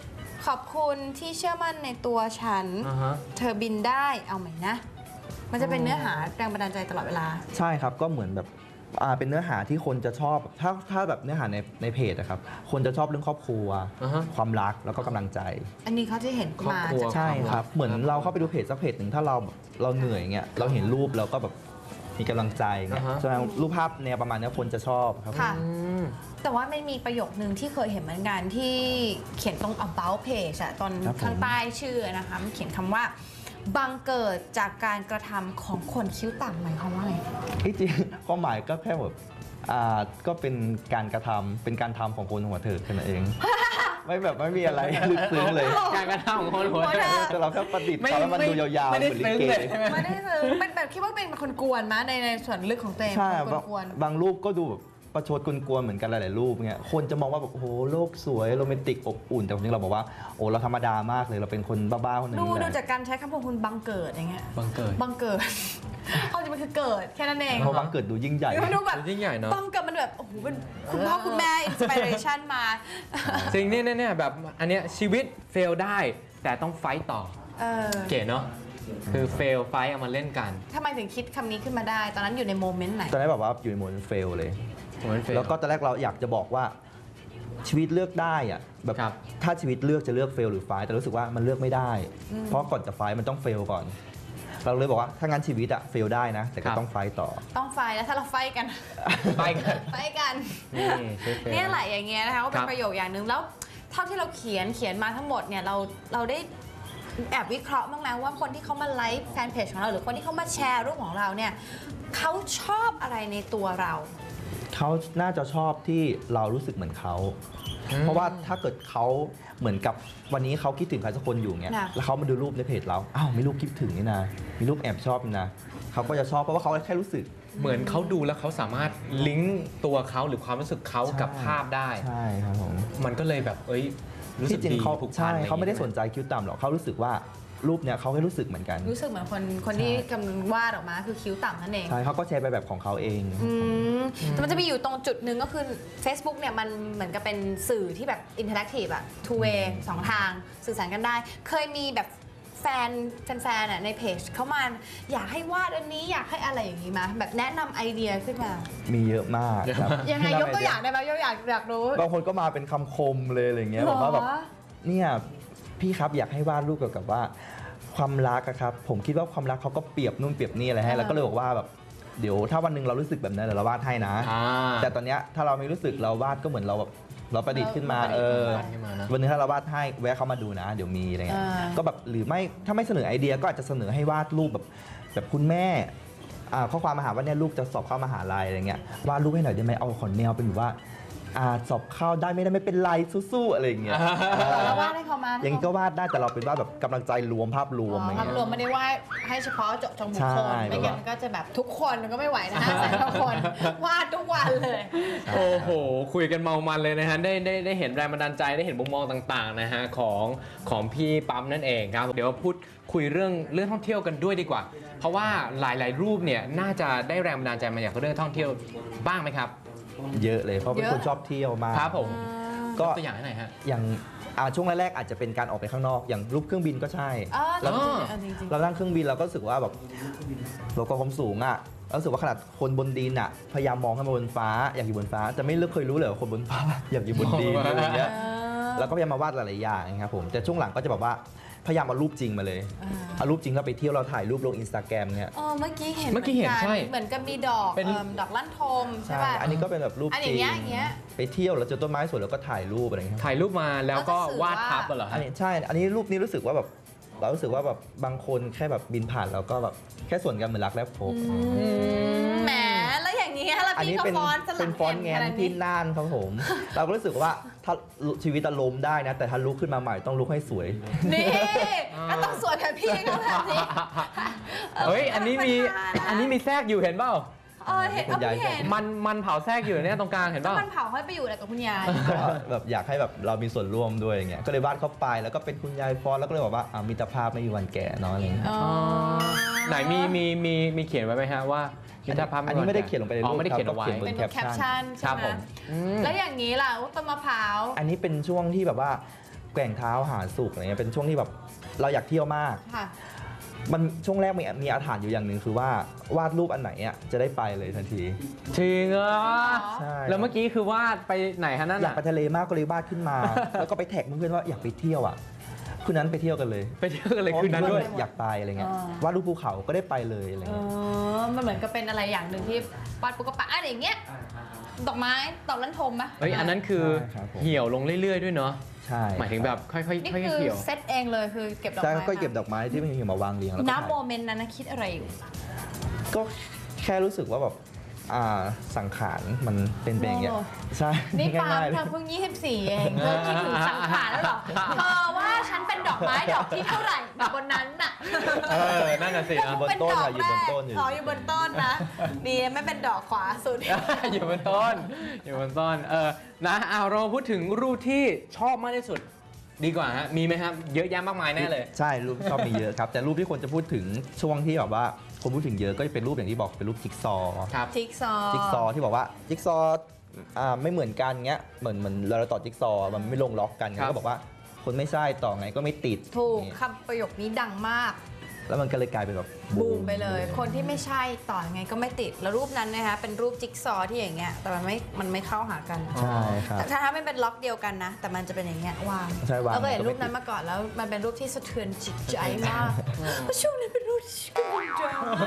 [SPEAKER 2] ขอบคุณที่เชื่อมั่นในตัวฉัน
[SPEAKER 1] อ่าฮะ
[SPEAKER 2] เธอบินได้เอาไหมนะ มันจะเป็นเนื้อหาแรงบันดาลใจตลอดเวลา
[SPEAKER 3] ใช่ครับก็เหมือนแบบอ่าเป็นเนื้อหาที่คนจะชอบถ้าถ้าแบบเนื้อหาในในเพจนะครับคนจะชอบเรื่องครอบครัว
[SPEAKER 1] อ่าฮะ
[SPEAKER 3] ความรักแล้วก็กำลังใจ
[SPEAKER 2] อันนี้เขาจะเห็น
[SPEAKER 1] ครอบ
[SPEAKER 2] มา
[SPEAKER 1] ครัว
[SPEAKER 2] จาก
[SPEAKER 3] ใช่ครับ
[SPEAKER 1] ความรัก
[SPEAKER 3] เหมือนเราเข้าไปดูเพจสักเพจหนึ่งถ้าเราเราเหนื่อยเงี้ยเราเห็นรูปเราก็แบบมีกำลังใจเงี้ย
[SPEAKER 1] อ่าฮะ
[SPEAKER 3] แสดงรูปภาพแนวประมาณเนี้ยคนจะชอบครับ
[SPEAKER 2] ค่ะ
[SPEAKER 1] อืม
[SPEAKER 2] แต่ว่ามันมีประโยคนึงที่เคยเห็นเหมือนกันที่เขียนตรง about page อะตอน
[SPEAKER 3] ครับผม
[SPEAKER 2] ข้างใต้ชื่อนะคะมันเขียนคำว่าบังเกิดจากการกระทำของคนคิ้วต่ำหมายความว่าไง
[SPEAKER 3] ที่จริงความหมายก็แค่แบบอ่าก็เป็นการกระทำเป็นการทำของคนหัวเถิดแค่นั้นเอง ไม่แบบไม่มีอะไรลึกซึ้งเลย
[SPEAKER 1] การกระทำของคนหัว
[SPEAKER 2] หัว
[SPEAKER 1] เถิ
[SPEAKER 2] เถิ
[SPEAKER 1] ด
[SPEAKER 2] ด
[SPEAKER 3] แต่เราแค่ประดิษฐ์เขาแล้วมันดูยาวๆ
[SPEAKER 1] ไม่
[SPEAKER 3] เห
[SPEAKER 1] ได้
[SPEAKER 3] มือนลิ
[SPEAKER 1] ซึ้ง
[SPEAKER 3] เก
[SPEAKER 1] เลยใช่ไหม
[SPEAKER 2] ไม่ได้ซื้อเป็นแบบคิดว่าเป็นคนกวนๆมะในในส่วนลึกของตัวเอง
[SPEAKER 3] ใช่
[SPEAKER 2] เป็น
[SPEAKER 3] บาง
[SPEAKER 2] คนกวน
[SPEAKER 3] บางรูปก็ดูแบบประชดกวนๆเหมือนกันหลายๆรูปเงี้ยคนจะมองว่าแบบโอ้โหโลกสวยโรแมนติกอบอุ่นแต่จริงๆเราบอกว่าโอ้เราธรรมดามากเลยเราเป็นคนบ้าๆคนหนึง
[SPEAKER 2] ดู
[SPEAKER 3] แห
[SPEAKER 2] ดู
[SPEAKER 3] ละ
[SPEAKER 2] จากการใช้คำพูดคุณบังเกิดอย่างเงี้ย
[SPEAKER 1] บังเกิด
[SPEAKER 2] บังเกิด เอาจริงมันคือเกิดแค่นั้นเอง
[SPEAKER 3] เพราะบังเกิดดูยิ่งใหญ่
[SPEAKER 2] มันดูแบบ
[SPEAKER 1] ยิ่งใหญ่เนอะ
[SPEAKER 2] บังเกิดมันแบบโอ้โหเป็นคุณพ่อคุณแม่อินสปิเรชันมา
[SPEAKER 1] จริงเนี่ยเนี่ยแบบอันเนี้ยชีวิตเฟลได้ แต่ต้องไฟต์ต่อ
[SPEAKER 2] เออ
[SPEAKER 1] เก๋เนาะคือเฟลไฟต์เอามาเล่นกัน
[SPEAKER 2] ทำไมถึงคิดคำนี้ขึ้นมาได้ ตอนนั้นอยู่ในโมเมนต์ไหน
[SPEAKER 3] ตอนนั้นแบบว่าอยู่ในโหมดเฟลเลย
[SPEAKER 1] เหมือนเฟล
[SPEAKER 3] แล้วก็ตอนแรกเราอยากจะบอกว่าชีวิตเลือกได้อะแบบ
[SPEAKER 1] ครับ
[SPEAKER 3] ถ้าชีวิตเลือกจะเลือกเฟลหรือไฟท์แต่รู้สึกว่ามันเลือกไม่ได้ เพราะก่อนจะไฟท์มันต้องเฟลก่อน เราเลยบอกว่าถ้างั้นชีวิตอะเฟลได้นะ แต่ก็ต้องไฟท์ต่อ
[SPEAKER 2] ต้องไฟแล้วถ้าเราไฟกัน
[SPEAKER 1] ไปกัน
[SPEAKER 2] ไฟกัน
[SPEAKER 1] นี่ชีวิตเฟล
[SPEAKER 2] เนี่ยแหละอย่างเงี้ยนะคะก็เป็
[SPEAKER 1] ครั
[SPEAKER 2] น
[SPEAKER 1] บ
[SPEAKER 2] ประโยคอย่างหนึ่งแล้วเท่าที่เราเขียนเขียนมาทั้งหมดเนี่ยเราเราได้แอบวิเคราะห์บ้างไหมว่าคนที่เขามาไลฟ์แฟนเพจของเราหรือคนที่เขามาแชร์รูปของเราเนี่ยเขาชอบอะไรในตัวเรา
[SPEAKER 3] เขาน่าจะชอบที่เรารู้สึกเหมือนเขา เพราะว่าถ้าเกิดเขาเหมือนกับวันนี้เขาคิดถึงใครสักคนอยู่เงี้ย
[SPEAKER 2] น่ะ
[SPEAKER 3] แล้วเขามาดูรูปในเพจเรา อ้าวมีรูปคิดถึงนี่นะ มีรูปแอบชอบนี่นะเขาก็จะชอบเพราะว่าเขาแค่รู้สึก
[SPEAKER 1] เหมือนเขาดูแล้วเขาสามารถลิงก์ตัวเขาหรือความรู้สึกเขากับภาพได้
[SPEAKER 3] ใช่ครับผม
[SPEAKER 1] มันก็เลยแบบเอ้ยรู้สึ
[SPEAKER 3] ที่
[SPEAKER 1] ก
[SPEAKER 3] จริง
[SPEAKER 1] ดี
[SPEAKER 3] เขา
[SPEAKER 1] ผูกพัน
[SPEAKER 3] ใช่
[SPEAKER 1] อะร
[SPEAKER 3] เขาไม่ได้
[SPEAKER 1] อย่ง
[SPEAKER 3] ส
[SPEAKER 1] งี้ย
[SPEAKER 3] นใจคิ้วต่ำหรอกเขารู้สึกว่ารูปเนี้ยเขาแค่รู้สึกเหมือนกัน
[SPEAKER 2] รู้สึกเหมือนคนคนที่กำลังวาดออกมาคือคิ้วต่ำนั่นเอง
[SPEAKER 3] ใช่เขาก็แชร์ไปแบบของเขาเอง
[SPEAKER 2] อืมแต่มันจะมีอยู่ตรงจุดหนึ่งก็คือ Facebook เนี่ยมันเหมือนกับเป็นสื่อที่แบบอินเทอร์แอคทีฟอะ two way สองทางสื่อสารกันได้ เคยมีแบบแฟนแฟนๆอะในเพจเขามาอยากให้วาดอันนี้อยากให้อะไรอย่างนี้มาแบบแนะนำไอเดียขึ้นมา
[SPEAKER 3] มีเยอะมากครับ
[SPEAKER 2] ยังไงยกตัวอย่างได้ไหมยกตัวอย่างอยากรู้
[SPEAKER 3] บางคนก็มาเป็นคำคมเลยอะไรเงี้ยบอกว่าแบบ
[SPEAKER 2] เหรอ
[SPEAKER 3] เนี่ยพี่ครับอยากให้วาดรูปเกี่ยวกับว่าความรักอะครับผมคิดว่าความรักเขาก็เปรียบนู่นเปรียบนี่อะไรให้
[SPEAKER 2] เออ
[SPEAKER 3] แล้วก็เลยบอกว่าแบบเดี๋ยวถ้าวันหนึ่งเรารู้สึกแบบนั้นเดี๋ยวเราวาดให้นะ
[SPEAKER 1] อ่า
[SPEAKER 3] แต่ตอนเนี้ยถ้าเราไม่รู้สึกเราวาดก็เหมือนเราแบบเราประดิษฐ์ขึ้นมา
[SPEAKER 2] เราประ
[SPEAKER 3] เอ
[SPEAKER 2] ดิษฐ์
[SPEAKER 3] อ
[SPEAKER 2] ขึ้นมา
[SPEAKER 1] ขึ้นมานะ
[SPEAKER 3] วันหนึงถ้าเราวาดให้แวะเข้ามาดูนะ เดี๋ยวมีอะไรเงี้ย
[SPEAKER 2] อ่า
[SPEAKER 3] ก็แบบหรือไม่ถ้าไม่เสนอไอเดียก็อาจจะเสนอให้วาดรูปแบบแบบคุณแม่อ่าข้อความมาหาว่าเนี่ยลูกจะสอบเข้ามหาลัยอะไรเงี้ยวาดรูปให้หน่อยได้ไหมเอาขนแนวเป็นแบบว่าอ่าสอบเข้าได้ไม่ได้ไม่เป็นไรสู้ๆอะไรอย่างเงี้ย
[SPEAKER 2] แล้ววาดให้เขามา
[SPEAKER 3] อย่างนี้ก็วาดได้แต่เราเป็นวาดแบบกำลังใจรวมภาพรวมอะไร
[SPEAKER 2] ภาพ
[SPEAKER 3] เงี้ย
[SPEAKER 2] รวมไม่ได้ว่าให้เฉพาะเจาะจงบุคคล
[SPEAKER 3] ใช่
[SPEAKER 2] ไม่งั้นมันก็จะแบบทุกคนมันก็ไม่ไหวนะฮะแต่ละคนวาดทุกวันเลย
[SPEAKER 1] โอ้โห คุยกันเมามันเลยนะฮะ ได้ได้ได้เห็นแรงบันดาลใจได้เห็นมุมมองต่างๆนะฮะของของพี่ปั๊มนั่นเองครับ เดี๋ยวพูดคุยเรื่องเรื่องท่องเที่ยวกันด้วยดีกว่า เพราะว่าหลายๆ รูปเนี่ยน่าจะได้แรงบันดาลใจมาจากเรื่องท่องเที่ยวบ้างไหมครับ
[SPEAKER 3] เยอะเลยเพราะเป็น
[SPEAKER 2] เยอะ
[SPEAKER 3] คนชอบเที่ยวมาก
[SPEAKER 1] ครับผม
[SPEAKER 3] ก็
[SPEAKER 1] ตัวอย่างให้หน่อยฮะ
[SPEAKER 3] อย่างอ่าช่วงแรกๆอาจจะเป็นการออกไปข้างนอก อย่างรูปเครื่องบินก็ใช่
[SPEAKER 2] อ๋อ
[SPEAKER 3] แล้ว
[SPEAKER 2] จริงๆเออจริง
[SPEAKER 3] เรานั่งเครื่องบินเราก็รู้สึกว่าแบบเราก็ความสูงอ่ะเรารู้สึกว่าขนาดคนบนดินอ่ะพยายามมองขึ้นมาบนฟ้าอยากอยู่บนฟ้าจะไม่เลือกเคยรู้เลยว่าคนบนฟ้า อยากอยู่บนดินอะไรอย่างเงี้ย
[SPEAKER 2] ๆเออ
[SPEAKER 3] แล้วก็พยายามมาวาดหลายๆอย่างนะครับผมแต่ช่วงหลังก็จะแบบว่าพยายามเอารูปจริงมาเลย
[SPEAKER 2] อ่า
[SPEAKER 3] เอารูปจริงแล้วไปเที่ยวเราถ่ายรูปลงอินสตาแกรมเนี่ย
[SPEAKER 2] เออเมื่อกี้เห็น
[SPEAKER 1] เมื่อกี้เห็น
[SPEAKER 2] กั
[SPEAKER 1] ใช่
[SPEAKER 2] เหมือนกับมีดอก
[SPEAKER 1] เป็น
[SPEAKER 2] เอิ่มดอกลั่นทมใช่
[SPEAKER 3] ใช่
[SPEAKER 2] ป่ะ
[SPEAKER 3] อันนี้ก็เป็นแบบรูป
[SPEAKER 2] อัน
[SPEAKER 3] จ
[SPEAKER 2] อ
[SPEAKER 3] ริ
[SPEAKER 2] ย่าง งเงี้ยอย่างเงี้ย
[SPEAKER 3] ไปเที่ยวแล้วเจอต้นไม้สวยแล้วก็ถ่ายรูปอะไรอย่างเงี้ย
[SPEAKER 1] ถ่ายรูปมาแล้วก็
[SPEAKER 2] แล้วก็สื่อ
[SPEAKER 1] วาด
[SPEAKER 2] ว่า
[SPEAKER 1] ทับเหรอ
[SPEAKER 3] อั
[SPEAKER 1] ฮะ
[SPEAKER 3] นนี้ใช่ อันนี้รูปนี้รู้สึกว่าแบบเรารู้สึกว่าแบบบางคนแค่แบบบินผ่านแล้วก็แบบแค่ส่วนกันเหมือนรักแรกพบ
[SPEAKER 2] แหมแล้วอย่างนี้แล้ว
[SPEAKER 3] อัน
[SPEAKER 2] พี่
[SPEAKER 3] นี้
[SPEAKER 2] ก็
[SPEAKER 3] เป็น
[SPEAKER 2] ฟอนต์สลั
[SPEAKER 3] เป็
[SPEAKER 2] บ
[SPEAKER 3] นฟอนต์แงน
[SPEAKER 2] ขนาด
[SPEAKER 3] ที่น่านครับผม เราก็รู้สึกว่าถ้าชีวิตจะล้มได้นะ แต่ถ้าลุกขึ้นมาใหม่ต้องลุกให้สวย
[SPEAKER 2] นี่ก็ต้องสวยแบบพี่เขาแบบนี้
[SPEAKER 1] เฮ้ย อันนี้มี
[SPEAKER 2] ธรรมดานะ
[SPEAKER 1] อันนี้มีแทรกอยู่เห็นเปล่า
[SPEAKER 2] เออเห็นเอาพี่เห็น
[SPEAKER 1] มันมันเผาแทรกอยู่เนี่ยตรงกลางเห็นเป
[SPEAKER 2] ก็
[SPEAKER 1] ล่า
[SPEAKER 2] มันเผาให้ไปอยู่อะไรกับคุณยาย
[SPEAKER 3] ก็แบบอยากให้แบบเรามีส่วนร่วมด้วยอย่างเงี้ย ก็เลยวาดเข้าไปแล้วก็เป็นคุณยายฟอนต์แล้วก็เลยบอกว่าอ่ามิตรภาพไม่มีวันแก่เนาะอะไรเงี้ย
[SPEAKER 2] อ๋อ
[SPEAKER 1] ไหนมีมีมีมีเขียนไว้ไหมฮะว่ามิตรภาพ
[SPEAKER 3] อันนี้ไม่ได้เขียนลงไปใน
[SPEAKER 1] อ๋อ
[SPEAKER 3] รูป
[SPEAKER 1] ไม่ได้เขียน
[SPEAKER 3] ครับ
[SPEAKER 1] เอาไว้
[SPEAKER 3] ก็เขียนบ
[SPEAKER 2] เป็น
[SPEAKER 3] น
[SPEAKER 2] แคปชั่น
[SPEAKER 1] ครั
[SPEAKER 2] ใช่
[SPEAKER 1] บ
[SPEAKER 2] ไหม
[SPEAKER 1] ผมอืม
[SPEAKER 2] แล้วอย่างนี้ล่ะต้นมะพร้าว
[SPEAKER 3] อันนี้เป็นช่วงที่แบบว่าแกว่งเท้าหาสุขอะไรเงี้ยเป็นช่วงที่แบบเราอยากเที่ยวมาก
[SPEAKER 2] ค่ะ
[SPEAKER 3] มันช่วงแรกมีมีอาถรรพ์อยู่อย่างหนึ่งคือว่าวาดรูปอันไหนอ่ะจะได้ไปเลยทันที
[SPEAKER 1] จริงเหรอ
[SPEAKER 3] ใช่
[SPEAKER 1] แล้วเมื่อกี้คือวาดไปไหนฮะนั่น
[SPEAKER 3] อยาก
[SPEAKER 1] อ่ะ
[SPEAKER 3] ไปทะเลมากก็เลยวาดขึ้นมา แล้วก็ไปแท็กเพื่อนๆว่าอยากไปเที่ยวอ่ะคืนนั้นไปเที่ยวกันเลย
[SPEAKER 1] ไปเที่ยวกันเลยคืนนั้นด้วย
[SPEAKER 3] เพราะมีเพื่ออยากไปอะไรเงี้ย
[SPEAKER 2] อ๋อ
[SPEAKER 3] วาดรูปภูเขาก็ได้ไปเลยอะไร
[SPEAKER 2] เอ
[SPEAKER 3] เงี้ย
[SPEAKER 2] อมันเหมือนกับเป็นอะไรอย่างหนึ่งที่วาดปุ๊กกระปะอ่ะอย่างเงี้ยดอกไม้ดอกนั้นทมไหม
[SPEAKER 1] เฮ้ยอันนั้นคือ
[SPEAKER 3] ใช่ครับผม
[SPEAKER 1] เหี่ยวลงเรื่อยๆด้วยเนาะ
[SPEAKER 3] ใช่
[SPEAKER 1] หมายถึงแบบค่อยๆค่อย
[SPEAKER 2] นี่
[SPEAKER 1] ๆ
[SPEAKER 2] คือ
[SPEAKER 1] เหี่ยว
[SPEAKER 2] เซตเองเลยคือเก็บดอก
[SPEAKER 3] ใช่
[SPEAKER 2] ไม้
[SPEAKER 3] ก็เก็บดอกไม้ที่มันมีมาวางเรียงแล้วก็
[SPEAKER 2] น้ำ
[SPEAKER 3] ถ่าย
[SPEAKER 2] โมเมนต์นั้นนะคิดอะไรอยู่
[SPEAKER 3] ก็แค่รู้สึกว่าแบบอ่าสังขารมันเป็นไปอย่างเงี้ย
[SPEAKER 2] โอ้
[SPEAKER 3] ใช่
[SPEAKER 2] นี่ปาล์
[SPEAKER 3] ง่าย
[SPEAKER 2] ม
[SPEAKER 3] ๆเล
[SPEAKER 2] เธ
[SPEAKER 3] ย
[SPEAKER 2] อเพิ่งยี่สิบสี่เองเธอคิดถึงสังขารแล้วเหรอเธอว่าฉันเป็นดอกไม้ดอกที่เท่าไหร่บนนั้นน่ะ
[SPEAKER 1] เออนั่นน่ะสิ
[SPEAKER 2] เธ
[SPEAKER 1] นะ
[SPEAKER 3] บน
[SPEAKER 2] เป็น
[SPEAKER 3] ต้น
[SPEAKER 2] ดอก
[SPEAKER 3] อะอยู่
[SPEAKER 2] แร
[SPEAKER 3] บน
[SPEAKER 2] ก
[SPEAKER 3] ต้นอยู่
[SPEAKER 2] อ๋ออยู่บนต้นนะดีไม่เป็นดอกขวาสุด
[SPEAKER 1] อยู่บนต้น อยู่บนต้น เออ นะเอาเราพูดถึงรูปที่ชอบมากที่สุด ดีกว่าฮะ มีไหมครับ เยอะแยะมากมายแน่เลย
[SPEAKER 3] ใช่รูปชอบมีเยอะครับ แต่รูปที่คนจะพูดถึงช่วงที่แบบว่าคนพูดถึงเยอะก็จะเป็นรูปอย่างที่บอกเป็นรูปจิ๊กซอว์
[SPEAKER 1] ครับ
[SPEAKER 2] จิ๊กซอว์
[SPEAKER 3] จิ๊กซอว์ที่บอกว่าจิ๊กซอว์อ่าไม่เหมือนกันเงี้ยเหมือนเหมือนเราต่อจิ๊กซอว์มันไม่ลงล็อกกัน
[SPEAKER 1] ครับ
[SPEAKER 3] ก็บอกว่าคนไม่ใช่ต่อไงก็ไม่ติด
[SPEAKER 2] ถูก
[SPEAKER 3] นี่
[SPEAKER 2] คำประโยคนี้ดังมาก
[SPEAKER 3] แล้วมันก็เลยกลายเป็นแบบ
[SPEAKER 2] บูมไปเลย คนที่ไม่ใช่ต่อยังไงก็ไม่ติด แล้วรูปนั้นนะคะเป็นรูปจิ๊กซอว์ที่อย่างเงี้ยแต่มันไม่มันไม่เข้าหากัน
[SPEAKER 3] ใช่ครับ
[SPEAKER 2] แต่ถ้าไม่เป็นล็อกเดียวกันนะ แต่มันจะเป็นอย่างเงี้ยวาง
[SPEAKER 3] ใช่วาง
[SPEAKER 2] เราก็เห็น
[SPEAKER 3] มันก็ไม่
[SPEAKER 2] รูปนั้นมาก่อนแล้วมันเป็นรูปที่สะเทือนจิตใจมากเพราะช่วงนั้นเป็นรูปที่กำลังดราม่า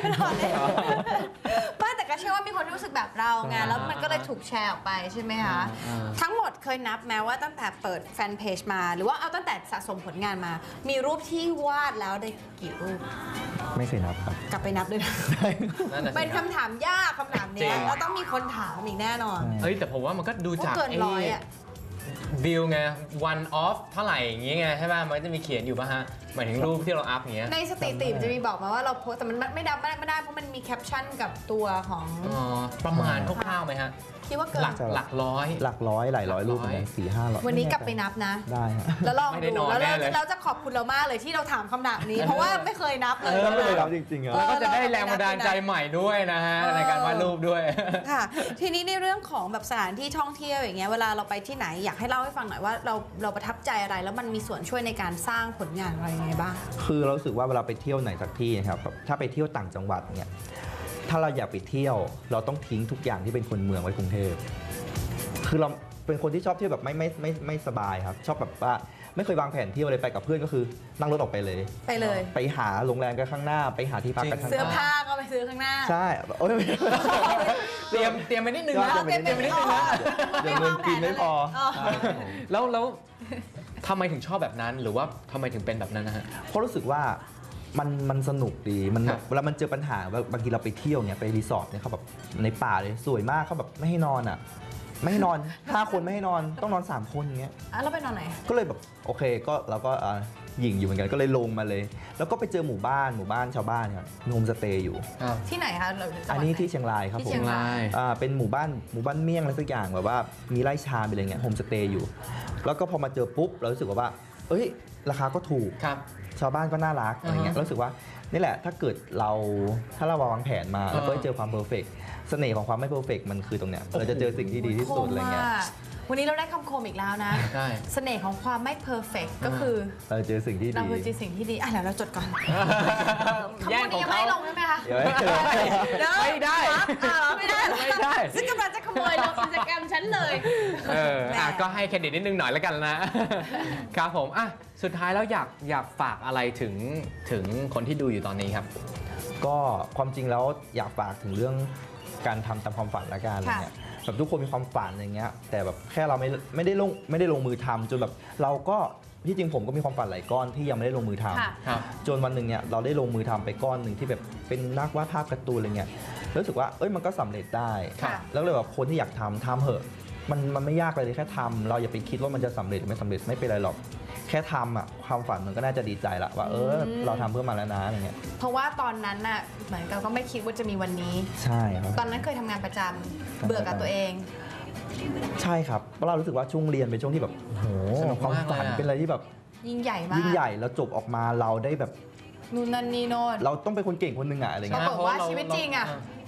[SPEAKER 2] ไม่แต่ก็เชื่อว่ามีคนรู้สึกแบบเราไงแล้วมันก็เลยถูกแชร์ออกไปใช่ไหมคะ
[SPEAKER 1] อ่า
[SPEAKER 2] ทั้งหมดเคยนับแม้ว่าตั้งแต่เปิดแฟนเพจมา หรือว่าเอาตั้งแต่สะสมผลงานมา มีรูปที่วาดแล้วได้กี่รูป
[SPEAKER 3] ไม่เคยนับครับ
[SPEAKER 2] กลับไปนับด้วยนะ
[SPEAKER 1] นั่นน่ะสิ
[SPEAKER 2] เป็นคำถามยากคำถาม
[SPEAKER 1] จริ
[SPEAKER 2] เนี้ย
[SPEAKER 1] ง
[SPEAKER 2] แล้วต้องมีคนถามอีกแน่นอน
[SPEAKER 1] เฮ้ย แต่ผมว่ามันก็ดูจาก
[SPEAKER 2] เกินร้อยอะ
[SPEAKER 1] วิวไง one off เท่าไหร่อย่างเงี้ยไงใช่ป่ะ มันก็จะมีเขียนอยู่ป่ะฮะ หมายถึงรูปที่เราอัพอย่างเงี้ย
[SPEAKER 2] ในสถิติมันจะมีบอกมาว่าเราโพสต์แต่มันไม่ดับไม่ได้เพราะมันมีแคปชั่นกับตัวของ
[SPEAKER 1] อ๋อ ประมาณคร่าวๆไหมฮะ
[SPEAKER 2] คิดว่าเกิ
[SPEAKER 1] หลั
[SPEAKER 2] น
[SPEAKER 1] กหลักร้อย
[SPEAKER 3] หลักร้อยหลายร้อยรูปเหมือนกันสี่ห้าร้อย
[SPEAKER 2] วันนี้กลับไปนับนะ
[SPEAKER 3] ได้ฮะ
[SPEAKER 2] แล้วลอง
[SPEAKER 1] ไม่ได้น
[SPEAKER 2] ดู
[SPEAKER 1] อน
[SPEAKER 2] แล้ว
[SPEAKER 1] แน่
[SPEAKER 2] เรา
[SPEAKER 1] เลย
[SPEAKER 2] เราจะขอบคุณเรามากเลยที่เราถามคำถามนี้ เพราะว่าไม่เคยนับเลย
[SPEAKER 3] ไม่เคยนับจริงๆอะ
[SPEAKER 1] แล้วก็จะได้แรงบันดาลใจใหม่ด้วยนะฮะ
[SPEAKER 2] เออ
[SPEAKER 1] ในการวาดรูปด้วย
[SPEAKER 2] ค่ะ ทีนี้ในเรื่องของแบบสถานที่ท่องเที่ยวอย่างเงี้ยเวลาเราไปที่ไหนอยากให้เล่าให้ฟังหน่อยว่าเราเราประทับใจอะไร แล้วมันมีส่วนช่วยในการสร้างผลงานอะไรยังไงบ้าง
[SPEAKER 3] คือเรารู้สึกว่าเวลาไปเที่ยวไหนสักที่นะครับแบบถ้าไปเที่ยวต่างจังหวัดเนี่ยถ้าเราอยากไปเที่ยว เราต้องทิ้งทุกอย่างที่เป็นคนเมืองไว้กรุงเทพคือเราเป็นคนที่ชอบเที่ยวแบบไม่ไม่ไม่ไม่สบายครับ ชอบแบบว่าไม่เคยวางแผนเที่ยวเลยไปกับเพื่อนก็คือนั่งรถออกไปเลย
[SPEAKER 2] ไปเลย
[SPEAKER 3] ไปหาโรงแรมกันข้างหน้า ไปหาที่พักกันข้างห
[SPEAKER 2] เสื้อ
[SPEAKER 3] น้า
[SPEAKER 2] ผ้าก็ไปซื้อข้างหน้า
[SPEAKER 3] ใช่โอ้ยไม่
[SPEAKER 1] เตรียมเตรียมไปนิดนึงนะ
[SPEAKER 3] เตรียมไปนิดนึง
[SPEAKER 1] เตรียมไปนิดนึงนะ
[SPEAKER 3] เดี๋ยวเงินกินไม่พอ
[SPEAKER 1] แล้วแล้วทำไมถึงชอบแบบนั้น หรือว่าทำไมถึงเป็นแบบนั้นนะฮะ
[SPEAKER 3] เพราะรู้สึกว่ามันมันสนุกดีมันแบ
[SPEAKER 1] ครับ บ
[SPEAKER 3] เวลามันเจอปัญหาแบบบางทีเราไปเที่ยวเนี่ยไปรีสอร์ทเนี่ยเขาแบบในป่าเลยสวยมากเขาแบบไม่ให้นอนอ่ะ ไม่ให้นอน ห้าคนไม่ให้นอนต้องนอนสามคนอย่างเงี้ย
[SPEAKER 2] อ่ะเราไปนอนไหน
[SPEAKER 3] ก็เลยแบบโอเคก็เราก็อ่าหยิ่งอยู่เหมือนกันก็เลยลงมาเลย แล้วก็ไปเจอหมู่บ้านหมู่บ้านชาวบ้านครับมีโฮมสเตย์อยู่
[SPEAKER 1] ครับ
[SPEAKER 2] ที่ไหนคะเราจังหวัด
[SPEAKER 3] อันนี้
[SPEAKER 2] ไห
[SPEAKER 3] ที่เชียงรายครับ
[SPEAKER 2] ที่
[SPEAKER 3] ผ
[SPEAKER 2] เชี
[SPEAKER 3] ม
[SPEAKER 2] ยงราย
[SPEAKER 3] อ่าเป็นหมู่บ้านหมู่บ้านเมี่ยงอะไรสักอย่างแบบว่ามีไร่ชาเป็นอะไรเงี้ยโฮมสเตย์อยู่ แล้วก็พอมาเจอปุ๊บเรารู้สึกว่า เอ้ยราคาก็ถูก
[SPEAKER 1] ครับ
[SPEAKER 3] ชาวบ้านก็น่ารักอะไรเงี้ย
[SPEAKER 1] อ่าฮะ
[SPEAKER 3] รู้สึกว่านี่แหละถ้าเกิดเราถ้าเราวางแผนมา
[SPEAKER 1] อ่า
[SPEAKER 3] เราก็จะเจอความเพอร์เฟกเสน่ห์ของความไม่เพอร์เฟกมันคือตรงเนี้ยเราจะเจอสิ่งที่ดีที่สุดอะไรเงี้ย
[SPEAKER 2] คมมากวันนี้เราได้คำคมอีกแล้วนะ
[SPEAKER 1] ใช่
[SPEAKER 2] เสน่ห์ของความไม่เพอร์เฟกก็คือ
[SPEAKER 3] เราจะเจอสิ่งที่
[SPEAKER 2] เรา
[SPEAKER 3] ดี
[SPEAKER 2] คือเจอสิ่งที่ดีอ่ะเดี๋ยวเราจดก่อนคำ
[SPEAKER 1] แย่
[SPEAKER 2] พู
[SPEAKER 1] ง
[SPEAKER 2] ด
[SPEAKER 1] ขอ
[SPEAKER 2] นี้
[SPEAKER 1] ง
[SPEAKER 2] ยัง
[SPEAKER 1] เขา
[SPEAKER 2] ไม่ได้ลงใช่ไหมคะ
[SPEAKER 3] เดี๋ยวให้
[SPEAKER 2] เยว
[SPEAKER 1] ไม่ได้
[SPEAKER 2] อ่าไม่ได้เหรอ
[SPEAKER 1] ไม่ได้
[SPEAKER 2] ซึ่งกำลังจะขโมยลงกิจกรรมฉันเลย
[SPEAKER 1] เอออ่ะ
[SPEAKER 2] แหม
[SPEAKER 1] ก็ให้เครดิตนิดนึงหน่อยแล้วกันนะ ครับผมอ่ะสุดท้ายแล้วอยากอยากฝากอะไรถึงถึงคนที่ดูอยู่ตอนนี้ครับ
[SPEAKER 3] ก็ความจริงแล้วอยากฝากถึงเรื่องการทำตามความฝันละกันอะไรเงี้ยแบบทุกคนมีความฝันอย่างเงี้ยแต่แบบแค่เราไม่ไม่ได้ลงไม่ได้ลงมือทำจนแบบเราก็ที่จริงผมก็มีความฝันหลายก้อนที่ยังไม่ได้ลงมือทำ
[SPEAKER 2] ค่ะ
[SPEAKER 1] ครับ
[SPEAKER 3] จนวันหนึ่งเนี่ยเราได้ลงมือทำไปก้อนหนึ่งที่แบบเป็นนักวาดภาพการ์ตูนอะไรเงี้ยรู้สึกว่าเอ้ยมันก็สำเร็จได้
[SPEAKER 2] ค่ะ
[SPEAKER 3] แล้วเลยแบบคนที่อยากทำทำเหอะมันมันไม่ยากเลยแค่ทำเราอย่าไปคิดว่ามันจะสำเร็จหรือไม่สำเร็จไม่เป็นไรหรอกแค่ทำอ่ะความฝันมันก็น่าจะดีใจละว่าเออเราทำเพื่อมาแล้วนะอะไรเงี้ย
[SPEAKER 2] เพราะว่าตอนนั้นน่ะเหมือนกับก็ไม่คิดว่าจะมีวันนี้
[SPEAKER 3] ใช่ครับ
[SPEAKER 2] ตอนนั้นเคยทำงานประจำเบื่อกับตัวเอง
[SPEAKER 3] ใช่ครับเพราะเรารู้สึกว่าช่วงเรียนเป็นช่วงที่แบบโอ้โห
[SPEAKER 1] สนุก
[SPEAKER 3] ความ
[SPEAKER 1] มากเลย
[SPEAKER 3] ฝัน
[SPEAKER 1] อะ
[SPEAKER 3] เป็นอะไรที่แบบ
[SPEAKER 2] ยิ่งใหญ่มาก
[SPEAKER 3] ยิ่งใหญ่แล้วจบออกมาเราได้แบบ
[SPEAKER 2] นู่นนั่นนี่โน่น
[SPEAKER 3] เราต้องเป็นคนเก่งคนหนึ่งอะอะไร
[SPEAKER 2] ปรา
[SPEAKER 3] เงี้ย
[SPEAKER 2] กฏว่าชีวิตจริงอะ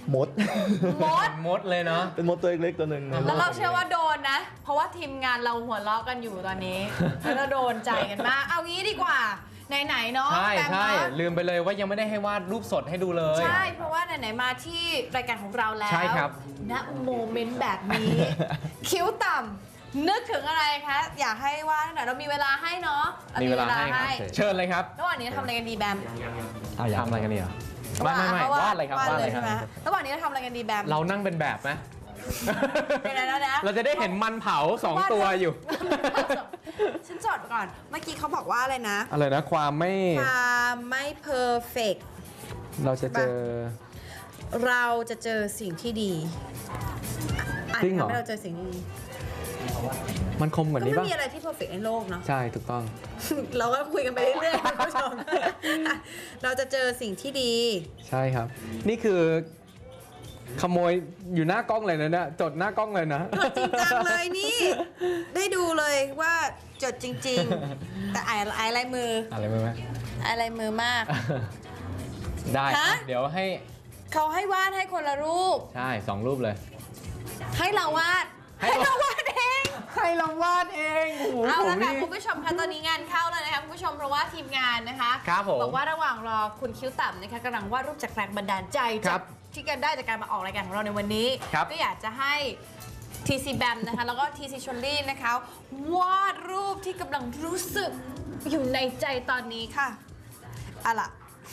[SPEAKER 3] มด
[SPEAKER 2] มด
[SPEAKER 1] มดเลยเนาะ
[SPEAKER 3] เป็นมดตัวเล็กๆตัวหนึ่งนะ
[SPEAKER 2] แล้วเราเชื่อว่าโดนนะ เพราะว่าทีมงานเราหัวเราะกันอยู่ตอนนี้ แล้วเราโดนใจกันมาก เอางี้ดีกว่า ไหนๆเนาะ
[SPEAKER 1] ใช่
[SPEAKER 2] แบม
[SPEAKER 1] ใช่
[SPEAKER 2] เนาะ
[SPEAKER 1] ลืมไปเลยว่ายังไม่ได้ให้วาดรูปสดให้ดูเลย
[SPEAKER 2] ใช่ เพราะว่าไหนๆมาที่รายการของเราแล้ว
[SPEAKER 1] ใช่ครับ
[SPEAKER 2] ณโมเมนต์แบบนี้ คิ้วต่ำนึกถึงอะไรคะ อยากให้วาดหน่อยเรามีเวลาให้เนาะร
[SPEAKER 1] มีเวลาให้ครับเชิญเลยครับ
[SPEAKER 2] ระหว่างนี้ทำอะไรกันดีแบม
[SPEAKER 3] เอาอย่าง
[SPEAKER 1] ทำอะไรกันเนี่ยไม่ไม่ไม่
[SPEAKER 2] เอ
[SPEAKER 1] วาดอะไรครับ
[SPEAKER 2] วาด
[SPEAKER 1] วาด
[SPEAKER 2] เล
[SPEAKER 1] อะไร
[SPEAKER 2] ย
[SPEAKER 1] ครั
[SPEAKER 2] ใช่ไหม
[SPEAKER 1] บ
[SPEAKER 2] ระหว่างนี้เราทำอะไรกันดีแบม
[SPEAKER 1] เรานั่งเป็นแบบไหม
[SPEAKER 2] เดี๋ยวนะนะ
[SPEAKER 1] เราจะได้เห็นมันเผาสองตัวอยู่
[SPEAKER 2] ฉันจดก่อน เมื่อกี้เขาบอกว่าอะไรนะ
[SPEAKER 1] อะไรนะความไม่
[SPEAKER 2] ความไม่เพอร์เฟก
[SPEAKER 1] เราจะเจอ
[SPEAKER 2] เราจะเจอสิ่งที่ดีอ่ะ
[SPEAKER 1] จริงเหรอ
[SPEAKER 2] ทำให้เราเจอสิ่งที่ดี
[SPEAKER 1] มันคมกว่า
[SPEAKER 2] ก็
[SPEAKER 1] นี้
[SPEAKER 2] ไม่
[SPEAKER 1] ป่ะ
[SPEAKER 2] มีอะไรที่เพอร์เฟกในโลกเนาะ
[SPEAKER 1] ใช่ถูกต้อง
[SPEAKER 2] เราก็คุยกันไปเรื่อยๆคุณผู้ชม เราจะเจอสิ่งที่ดี
[SPEAKER 1] ใช่ครับ นี่คือขโมยอยู่หน้ากล้องเลยนะเนี่ยจดหน้ากล้องเลยนะ
[SPEAKER 2] จดจริงจังเลยนี่ ได้ดูเลยว่าจดจริง ๆ แต่อ่านอ่านลายมือ
[SPEAKER 1] อะไรไม่ไหม
[SPEAKER 2] อ่านลายมือมาก
[SPEAKER 1] ได้ค
[SPEAKER 2] ฮะ
[SPEAKER 1] รับเดี๋ยวให้
[SPEAKER 2] เขาให้วาดให้คนละรูป
[SPEAKER 1] ใช่สองรูปเลย
[SPEAKER 2] ให้เราวาด
[SPEAKER 1] ให้
[SPEAKER 2] ให้
[SPEAKER 1] เรา
[SPEAKER 2] เราวาดเอง
[SPEAKER 1] ให้เราวาดเองโอ้โห
[SPEAKER 2] เอา
[SPEAKER 1] ผ
[SPEAKER 2] ละ
[SPEAKER 1] ม
[SPEAKER 2] ค่ะ
[SPEAKER 1] นี่
[SPEAKER 2] คุณผู้ชมคะตอนนี้งานเข้าแล้วนะคะคุณผู้ชมเพราะว่าทีมงานนะคะ
[SPEAKER 1] ครับผม
[SPEAKER 2] บอกว่าระหว่างรอคุณคิ้วต่ำนะคะกำลังวาดรูปจากแรงบันดาลใจ
[SPEAKER 1] ครั
[SPEAKER 2] จาก
[SPEAKER 1] บ
[SPEAKER 2] ที่กันได้จากการมาออกรายการของเราในวันนี้
[SPEAKER 1] ครับ
[SPEAKER 2] ก็อยากจะให้ ที ซี แบม นะคะแล้วก็ ที ซี ชลลี่นะคะวาดรูปที่กำลังรู้สึกอยู่ในใจตอนนี้ค่ะอะล่ะ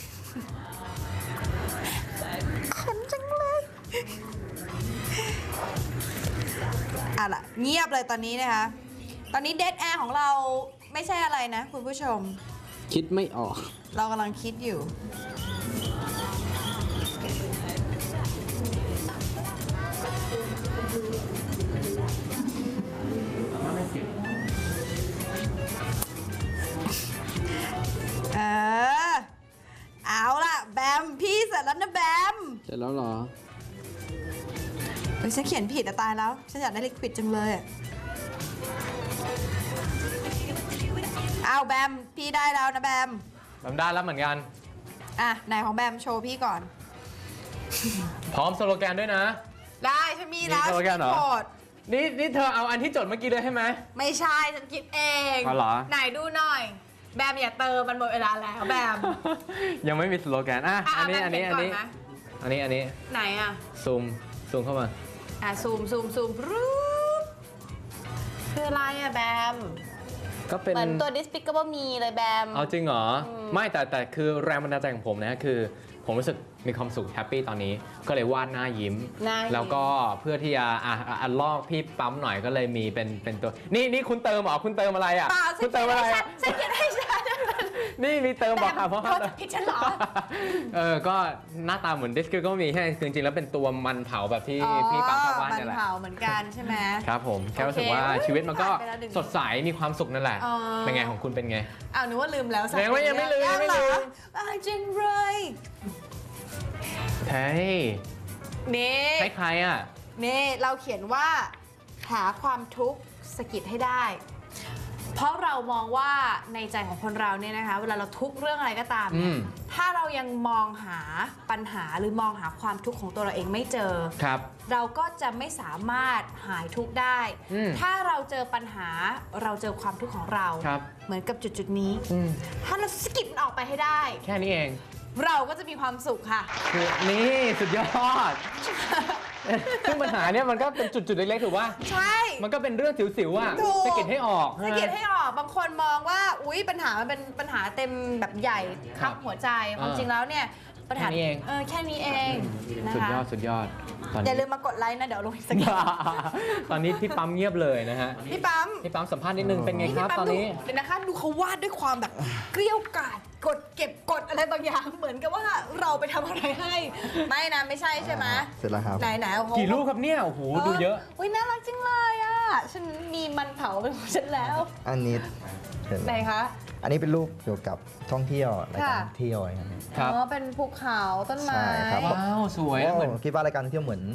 [SPEAKER 2] ขนจังเลยอะล่ะเงียบเลยตอนนี้นะคะ ตอนนี้เดดแอร์ของเราไม่ใช่อะไรนะคุณผู้ชม
[SPEAKER 1] คิดไม่ออก
[SPEAKER 2] เรากำลังคิดอยู่ เออ เอาล่ะ แบม พี่เสร็จแล้วนะแบม
[SPEAKER 1] เสร็จแล้วเหรอ
[SPEAKER 2] เฮ้ยฉันเขียนผิดอะตายแล้ว ฉันอยากได้ลิควิดจังเลยอะเอาแบม พี่ได้แล้วนะแบม
[SPEAKER 1] ทำได้แล้วเหมือนกัน
[SPEAKER 2] อ่ะไหนของแบมโชว์พี่ก่อน
[SPEAKER 1] พร้อมสโลแกนด้วยนะ
[SPEAKER 2] ได้ฉันมีแล้ว
[SPEAKER 1] มีโปรแกรมเหรอ
[SPEAKER 2] ฉันกด
[SPEAKER 1] นี่นี่เธอเอาอันที่จดเมื่อกี้เลยใช่ไหม
[SPEAKER 2] ไม่ใช่ ฉันคิดเอง
[SPEAKER 1] อ๋อเหรอ
[SPEAKER 2] ไหนดูหน่อย แบมอย่าเติมมันหมดเวลาแล้วแบม
[SPEAKER 1] ยังไม่มีสโลแกนอ่ะ
[SPEAKER 2] อ่ะ
[SPEAKER 1] อันนี้
[SPEAKER 2] แบ
[SPEAKER 1] อั
[SPEAKER 2] ม
[SPEAKER 1] นนี้
[SPEAKER 2] เขี
[SPEAKER 1] อั
[SPEAKER 2] ย
[SPEAKER 1] น
[SPEAKER 2] ก่
[SPEAKER 1] นี้
[SPEAKER 2] นะ
[SPEAKER 1] อันนี้อันนี้
[SPEAKER 2] ไหนอ่ะ
[SPEAKER 1] ซูมซูมเข้ามา
[SPEAKER 2] อ่ะซูมซูมซูมรูปคืออะไรอ่ะแบม
[SPEAKER 1] ก็เป็น
[SPEAKER 2] เหมือนตัว Despicable Me เลยแบม
[SPEAKER 1] เอาจริงเหรอ
[SPEAKER 2] อืม
[SPEAKER 1] ไม่แต่แต่คือแรงบันดาลใจของผมนะคือ ผมรู้สึกมีความสุขแฮปปี้ตอนนี้ ก็เลยวาดหน้ายิ้ม
[SPEAKER 2] หน้ายิ้ม
[SPEAKER 1] แล้วก็เพื่อที่จะอ่ะอ่ะอันลอกพี่ปั๊มหน่อยก็เลยมีเป็นเป็นตัว นี่นี่คุณเติมเหรอคุณเติมอะไรอ่ะ
[SPEAKER 2] เปล่าฉั
[SPEAKER 1] คุ
[SPEAKER 2] น
[SPEAKER 1] ณ
[SPEAKER 2] เขี
[SPEAKER 1] เติ
[SPEAKER 2] ย
[SPEAKER 1] ม
[SPEAKER 2] น
[SPEAKER 1] อะไร
[SPEAKER 2] ให้ฉั
[SPEAKER 1] อ่ะ
[SPEAKER 2] นฉันเขียนให้ฉัน
[SPEAKER 1] นี่มีเติมบอกค่ะเพราะ
[SPEAKER 2] เขาจะผิดฉันเหรอ
[SPEAKER 1] เออก็หน้าตาเหมือนดิสกิก็มีแค่คือจริงๆแล้วเป็นตัวมันเผาแบบที่
[SPEAKER 2] อ๋อ
[SPEAKER 1] พี่ปั๊มชอบวาด
[SPEAKER 2] มัน
[SPEAKER 1] นี่แหละ
[SPEAKER 2] เผาเหมือนกันใช่ไหม
[SPEAKER 1] ครับผมแค่รู้สึกว่า
[SPEAKER 2] โอเค
[SPEAKER 1] ชีวิตมันก็
[SPEAKER 2] ผ่านไปแล้วหนึ่ง
[SPEAKER 1] สดใสมีความสุขนั่นแหละ
[SPEAKER 2] อ๋อ
[SPEAKER 1] เป็นไงของคุณเป็นไง
[SPEAKER 2] อ้าวนึกว่าลืมแล้ว
[SPEAKER 1] ยังไม่ยังไม่ลืมยังไม่ลืม
[SPEAKER 2] อ้าวจริงเลย
[SPEAKER 1] เฮ้ย
[SPEAKER 2] นี่
[SPEAKER 1] ให้ใครอ่ะ
[SPEAKER 2] นี่เราเขียนว่าหาความทุกข์สะกิดให้ได้ เพราะเรามองว่าในใจของคนเราเนี่ยนะคะ เวลาเราทุกข์เรื่องอะไรก็ตามเนี่ย
[SPEAKER 1] อืม
[SPEAKER 2] ถ้าเรายังมองหาปัญหาหรือมองหาความทุกข์ของตัวเราเองไม่เจอ
[SPEAKER 1] ครับ
[SPEAKER 2] เราก็จะไม่สามารถหายทุกข์ได้
[SPEAKER 1] อืม
[SPEAKER 2] ถ้าเราเจอปัญหาเราเจอความทุกข์ของเรา
[SPEAKER 1] ครับ
[SPEAKER 2] เหมือนกับจุดจุดๆนี้
[SPEAKER 1] อืม
[SPEAKER 2] ถ้าเราสะกิดมันออกไปให้ได้
[SPEAKER 1] แค่นี้เอง
[SPEAKER 2] เราก็จะมีความสุขค่ะ
[SPEAKER 1] คือนี่สุดยอด ซึ่งปัญหาเนี่ยมันก็เป็นจุดๆเล็กๆถูกป่ะ
[SPEAKER 2] ใช่
[SPEAKER 1] มันก็เป็นเรื่องสิวๆอ่ะ
[SPEAKER 2] ถูก
[SPEAKER 1] สะกิดให้ออก
[SPEAKER 2] สะกิดให้ออกบางคนมองว่าอุ๊ยปัญหามันเป็นปัญหาเต็มแบบใหญ่
[SPEAKER 1] ค
[SPEAKER 2] ครับ รับหัวใจความจริงแล้วเนี่ยปัญหา
[SPEAKER 1] แค่นี้เอง
[SPEAKER 2] เออแค่นี้เองนะ
[SPEAKER 1] สุด
[SPEAKER 2] คะ
[SPEAKER 1] ยอดสุดยอดตอน
[SPEAKER 2] อ
[SPEAKER 1] นี้
[SPEAKER 2] ย่าลืมมากดไลค์นะเดี๋ยวลงอีกสักที
[SPEAKER 1] ตอนนี้พี่ปั๊มเงียบเลยนะฮะ
[SPEAKER 2] พี่ปั๊ม
[SPEAKER 1] พี่ปั๊มสัมภาษณ์นิดนึงเป็นไงครับ
[SPEAKER 2] พี่
[SPEAKER 1] ต
[SPEAKER 2] ปั๊
[SPEAKER 1] อ
[SPEAKER 2] ม
[SPEAKER 1] น
[SPEAKER 2] ดู
[SPEAKER 1] นี้
[SPEAKER 2] เดี๋ยวนะคะดูเขาวาดด้วยความแบบเกลี้ยวกล่อมกดเก็บกดอะไรบางอย่างเหมือนกับว่าเราไปทำอะไรให้ ไม่นะไม่ใช่ใช่ไหม
[SPEAKER 3] เสร็จแล้วครับ
[SPEAKER 2] ไหนไหนๆโอ้โห
[SPEAKER 1] กี่รูปครับเนี่ยโอ้โหดูเยอะ
[SPEAKER 2] อุ้ยน่ารักจังเลยอ่ะฉันมีมันเผาเป็นของฉันแล้ว
[SPEAKER 3] อันนี้เห็นไห
[SPEAKER 2] ไห
[SPEAKER 3] ม
[SPEAKER 2] นคะ
[SPEAKER 3] อันนี้เป็นรูปเกี่ยวกับท่องเที่ยวรายการ
[SPEAKER 2] ค่ะ
[SPEAKER 3] ท่องเที่ยวอะไรครับ
[SPEAKER 1] ครับ
[SPEAKER 2] อ๋อเป็นภูเขาต้นไม้
[SPEAKER 3] ใช่ครับ
[SPEAKER 1] ว้าวสวยอะเหมือน
[SPEAKER 3] โอ้คิดว่ารายการท่องเที่ยวเหมือน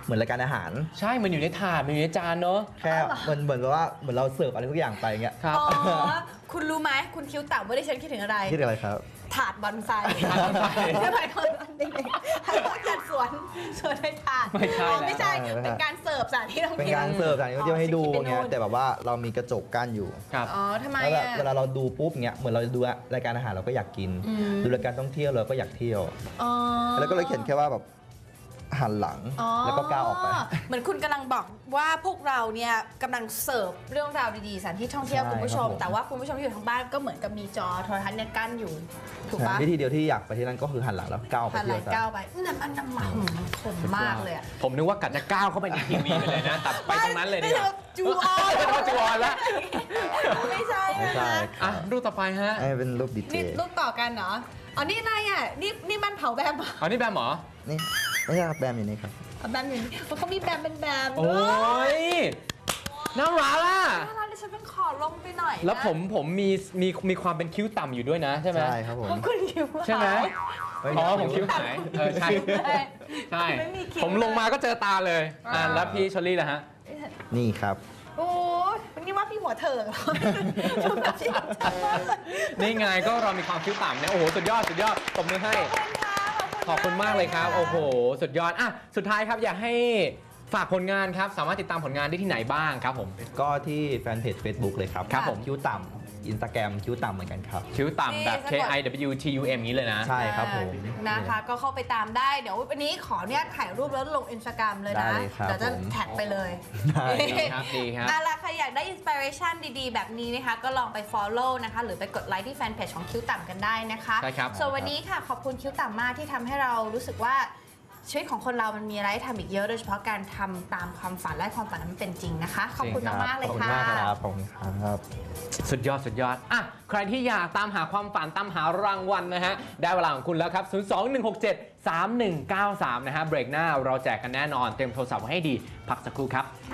[SPEAKER 3] เหมือนรายการอาหาร
[SPEAKER 1] ใช่มันอยู่ในถาดมันอยู่ในจานเนอะ
[SPEAKER 3] แค่เหมือนเหมือนแบบว่าเหมือนเราเสิร์ฟอะไรทุกอย่างไปเงี้ย
[SPEAKER 1] ครับ
[SPEAKER 2] อ๋อ คุณรู้ไหมคุณคิ้วต่ำว่าดิฉันคิดถึงอะไร
[SPEAKER 3] คิดอะไรครับ
[SPEAKER 2] ถาดบอนไซ
[SPEAKER 1] ถาดบอนไซ
[SPEAKER 2] ไม่ใช่คนเด็กๆให้พวกจัดสวนสวนในถาด
[SPEAKER 1] ไม่ใช่
[SPEAKER 2] อ๋อไม่ใช่
[SPEAKER 3] แล้ว
[SPEAKER 2] เป็นการเสิร์ฟสถานที่ท่อง
[SPEAKER 3] เป็น
[SPEAKER 2] เที่ยว
[SPEAKER 3] การเสิร์ฟสถานที่ท่องเที่ยวให้ดู
[SPEAKER 2] อ๋อ
[SPEAKER 3] เงี้ย
[SPEAKER 2] คิดไปโน่น
[SPEAKER 3] แต่แบบว่าเรามีกระจกกั้นอยู่
[SPEAKER 1] ครับ
[SPEAKER 2] อ๋อทำไม
[SPEAKER 3] แล้วแบบ
[SPEAKER 2] อ่ะ
[SPEAKER 3] เวลาเราดูปุ๊บเงี้ยเหมือนเราดูรายการอาหารเราก็อยากกิน
[SPEAKER 2] อืม
[SPEAKER 3] ดูรายการท่องเที่ยวเราก็อยากเที่ยว
[SPEAKER 2] อ๋อ
[SPEAKER 3] แล้วก็เลยเขียนแค่ว่าแบบหันหลัง
[SPEAKER 2] อ๋อ
[SPEAKER 3] แล้วก็ก้าวออกไป
[SPEAKER 2] เหมือนคุณกำลังบอกว่าพวกเราเนี่ยกำลังเสิร์ฟเรื่องราวดีๆสถานที่ท่องเที่ยว
[SPEAKER 3] ใช่
[SPEAKER 2] คุณผู้ชม
[SPEAKER 3] ครับผม
[SPEAKER 2] แต่ว่าคุณผู้ชมที่อยู่ทางบ้านก็เหมือนกับมีจอโทรทัศน์เนี่ยกั้นอยู่ถูกปะ
[SPEAKER 3] วิธีเดียวที่อยากไปที่นั่นก็คือหันหลังแล้วก้าวออกไป
[SPEAKER 2] ผ่านห
[SPEAKER 3] เที่
[SPEAKER 2] ลาย
[SPEAKER 3] ยวซะ
[SPEAKER 2] ก้าวไปน้ำมันน้ำมันขมมากเลยอะ
[SPEAKER 1] ผมนึกว่ากัดจะก้าวเข้าไปในทีวีไปเลยนะแต่ไปตรงนั้นเลยดีกว่า
[SPEAKER 2] จูออน
[SPEAKER 1] จะเข้าจูออนแล้ว
[SPEAKER 2] ไม่ใช่
[SPEAKER 3] ไม่
[SPEAKER 2] นะ
[SPEAKER 3] ใช่
[SPEAKER 2] คะ
[SPEAKER 1] อ่ะรูปต่อไปฮะ
[SPEAKER 3] ไอ้เป็นรูปดีเจ
[SPEAKER 2] นี่รูปต่อกันเหรออ๋อนี่อะไรอ่ะนี่นี่มันเผาแบมเหรอ
[SPEAKER 1] เอานี่แบมเหรอ
[SPEAKER 3] นี่ไม่ใช่ครับแบมอยู่นี่ครับ
[SPEAKER 2] เอาแบมอยู่นี่เขามีแบมเป็นแบม
[SPEAKER 1] โอ้ยน่ารักอ่ะ
[SPEAKER 2] น่ารักดิฉันเป็นขอลงไปหน่อยนะ
[SPEAKER 1] แล้วผมผมมีมีมีความเป็นคิ้วต่ำอยู่ด้วยนะใช่ไหม
[SPEAKER 3] ใช่ครับผม
[SPEAKER 2] เพราะคุณคิว
[SPEAKER 1] ใช่ไหม
[SPEAKER 3] เฮ้ย
[SPEAKER 1] อ๋อผมคิ้วหายเออใช่ ใช่
[SPEAKER 2] ไม่มีคิ้ว
[SPEAKER 1] ผมลงมาก็เจอตาเลยอ่ะแล้วพี่ชอลลี่ล่ะฮะ
[SPEAKER 3] นี่ครับ
[SPEAKER 2] โอ้ยวันนี้ว่าพี่หัวเถิงเหรอดูแบบที่แบบชัดมากเลย
[SPEAKER 1] นี่ไงก็เรามีความคิ้วต่ำเนี่ยโอ้โหสุดยอดสุดยอดตบมือให้ ขอบคุณมากเลยครับ โอ้โห สุดยอดอ่ะสุดท้ายครับอยากให้ฝากผลงานครับ สามารถติดตามผลงานได้ที่ไหนบ้างครับผม
[SPEAKER 3] ก็ที่แฟนเพจ Facebook เลยครับ
[SPEAKER 1] ครับผม
[SPEAKER 3] คิ้วต่ำอินสตาแกรมคิ้วต่ำเหมือนกันครับ
[SPEAKER 1] คิ้วต่ำแบบ K I W T U M นี้เลยนะ
[SPEAKER 3] ใช่ครับผม
[SPEAKER 2] นะคะก็เข้าไปตามได้เดี๋ยววันนี้ขอเนี่ยถ่ายรูปแล้วลงอินสตาแกรมเลยนะ
[SPEAKER 3] ได้เลยครับ
[SPEAKER 2] เดี๋ยวจะ
[SPEAKER 3] ผม
[SPEAKER 2] แท็กไปเลย
[SPEAKER 3] ได้
[SPEAKER 1] ดีครับดีครับ
[SPEAKER 2] เอาล่ะใครอยากได้อินสปิเรชันดีๆ แบบนี้นะคะ ก็ลองไป follow นะคะ หรือไปกดไลค์ที่แฟนเพจของคิ้วต่ำกันได้นะคะ
[SPEAKER 1] ใช่ครับ
[SPEAKER 2] ส่วนวันนี้ค่ะขอบคุณคิ้วต่ำมากที่ทำให้เรารู้สึกว่าชีวิตของคนเรามันมีอะไรให้ทำอีกเยอะโดยเฉพาะการทำตามความฝันและความฝันนั้นมันเป็นจริงนะคะ ขอบคุณมากๆเลย
[SPEAKER 3] ขอบคุณ
[SPEAKER 2] ค่ะ
[SPEAKER 3] มากครับขอบคุณครับ
[SPEAKER 1] สุดยอดสุดยอดอ่ะใครที่อยากตามหาความฝันตามหารางวัลนะฮะ ได้เวลาของคุณแล้วครับ ศูนย์ สอง หนึ่ง หก เจ็ด สาม หนึ่ง เก้า สาม นะฮะ เบรกหน้าเราแจกกันแน่นอน เตรียมโทรศัพท์ไว้ให้ดี พักสักครู่ครับ